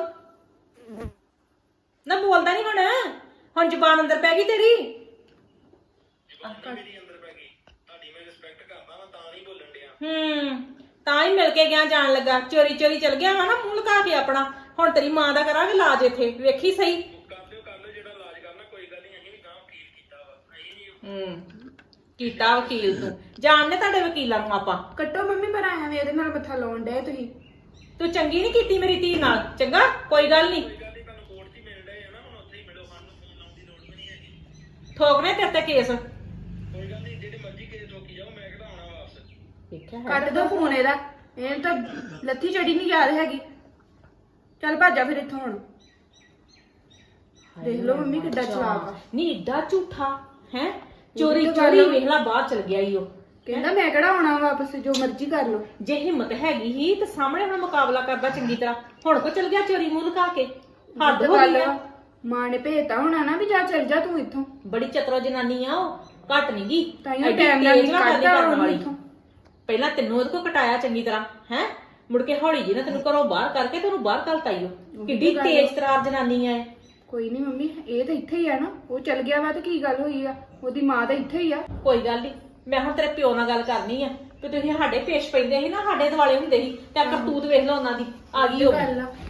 ਨਾ, ਬੋਲਦਾ ਨਹੀਂ ਹੁਣ ਜ਼ੁਬਾਨ ਅੰਦਰ ਪੈ ਗਈ ਤੇਰੀ। ਤਾਂ ਹੀ ਮਿਲ ਕੇ ਗਿਆ, ਜਾਣ ਲੱਗਾ ਚੋਰੀ ਚੋਰੀ ਚਲ ਗਿਆ ਵਾ ਨਾ, ਮੂੰਹ ਲਗਾ ਕੇ ਆਪਣਾ। ਹੁਣ ਤੇਰੀ ਮਾਂ ਦਾ ਕਰਾਂਗੇ ਇਲਾਜ ਇੱਥੇ, ਵੇਖੀ ਸਹੀ। ਕੀਤਾ ਵਕੀਲ ਤੂੰ ਜਾਣਨੇ ਤੁਹਾਡੇ ਵਕੀਲਾਂ ਨੂੰ ਆਪਾਂ।
ਕੱਟੋ ਮੰਮੀ, ਪਰ ਆਇਆ ਵੀ ਇਹਦੇ ਨਾਲ ਮੱਥਾ ਲਾਉਣ ਡਏ ਤੁਸੀਂ।
ਤੂੰ ਚੰਗੀ ਨਹੀਂ ਕੀਤੀ ਮੇਰੀ ਧੀ ਨਾਲ, ਚੰਗਾ ਕੋਈ ਗੱਲ ਨਹੀਂ। ਠੋਕਨੇ ਤੇਰੇ ਤੇ ਕੇਸ। ਦੇਖਿਆ ਹੈ
ਕੱਟ ਦੋ ਫੋਨ ਇਹਦਾ, ਇਹ ਤਾਂ ਲੱਥੀ ਚੜੀ ਨਹੀਂ ਯਾਦ ਹੈਗੀ। ਚੱਲ ਭਾਜਾ ਫਿਰ ਇੱਥੋਂ ਹੁਣ। ਦੇਖ ਲਓ ਮੰਮੀ ਕਿੱਡਾ ਚਲਾਕ ਆ।
ਨਹੀਂ ਏਡਾ ਝੂਠਾ ਹੈ, ਚੋਰੀ
ਇਹ ਤਾਂ ਗੱਲ
ਚੋਰੀ
ਆ।
ਵੇਖ ਲਾ ਬਾਹਰ ਚਲ ਗਿਆ ਈ ਉਹ।
ਕਹਿੰਦਾ ਮੈਂ ਕਿਹੜਾ ਆਉਣਾ ਵਾਪਸ, ਜੋ ਮਰਜ਼ੀ ਕਰ ਲਓ।
ਜੇ ਹਿੰਮਤ ਹੈਗੀ ਹੀ ਤੇ ਸਾਹਮਣੇ ਹੁਣ ਮੁਕਾਬਲਾ ਕਰਦਾ ਚੰਗੀ ਤਰ੍ਹਾਂ। ਹੁਣ ਕੋ ਚਲ ਗਿਆ ਚੋਰੀ ਮੂੰਹ ਲੁਕਾ ਕੇ, ਹੱਦ ਹੋ ਗਈ ਆ।
ਮਾਂ ਨੇ ਭੇਜਤਾ ਹੋਣਾ ਨਾ ਵੀ ਜਾ ਚੱਲ ਜਾ ਤੂੰ ਇੱਥੋਂ।
ਬੜੀ ਚਤਰੋ ਜਨਾਨੀ ਆ ਉਹ, ਘੱਟ ਨੀ ਗੀ।
ਤਾਈਓ
ਐਡੀ
ਟਾਈਮ ਨਾਲ
ਤੇਜ਼ ਨਾ ਕਰਨੀ
ਕੱਢਦਾ
ਕਰਨ
ਉਹਨੂੰ
ਵਾਲੀ।
ਇੱਥੋਂ।
ਪਹਿਲਾਂ ਤੈਨੂੰ ਉਹਦੇ ਕੋ ਕਟਾਇਆ ਚੰਗੀ ਤਰ੍ਹਾਂ ਹੈ, ਮੁੜ ਕੇ ਹੌਲੀ ਜੀ ਨਾ ਤੈਨੂੰ ਘਰੋਂ ਬਾਹਰ ਕਰਕੇ ਤੈਨੂੰ ਬਾਹਰ ਘਲਤਾ ਈ ਉਹ। ਕਿੱਡੀ
ਗੱਲ ਆ।
ਤੇਜ਼ ਤਰਾਰ ਜਨਾਨੀ ਆ ਇਹ।
ਕੋਈ ਨਹੀਂ ਮੰਮੀ, ਇਹ ਤਾਂ ਇੱਥੇ ਹੀ ਆ ਨਾ। ਉਹ ਚੱਲ ਗਿਆ ਵਾ ਤੇ ਕੀ ਗੱਲ ਹੋਈ ਆ, ਉਹਦੀ ਮਾਂ ਤਾਂ ਇੱਥੇ ਹੀ ਆ।
ਕੋਈ ਗੱਲ ਨਹੀਂ, ਮੈਂ ਹੁਣ ਤੇਰੇ ਪਿਓ ਨਾਲ ਗੱਲ ਕਰਨੀ ਆ ਕਿ ਤੁਸੀਂ ਸਾਡੇ ਪੇਸ਼ ਪੈਂਦੇ ਸੀ ਨਾ, ਸਾਡੇ ਦਿਵਾਲੇ ਹੁੰਦੇ ਸੀ ਤੇ ਕਰਤੂਤ ਵੇਖ ਲਓ ਉਹਨਾਂ ਦੀ। ਆ ਗਈ ਉਹ
ਗੱਲ ਆ।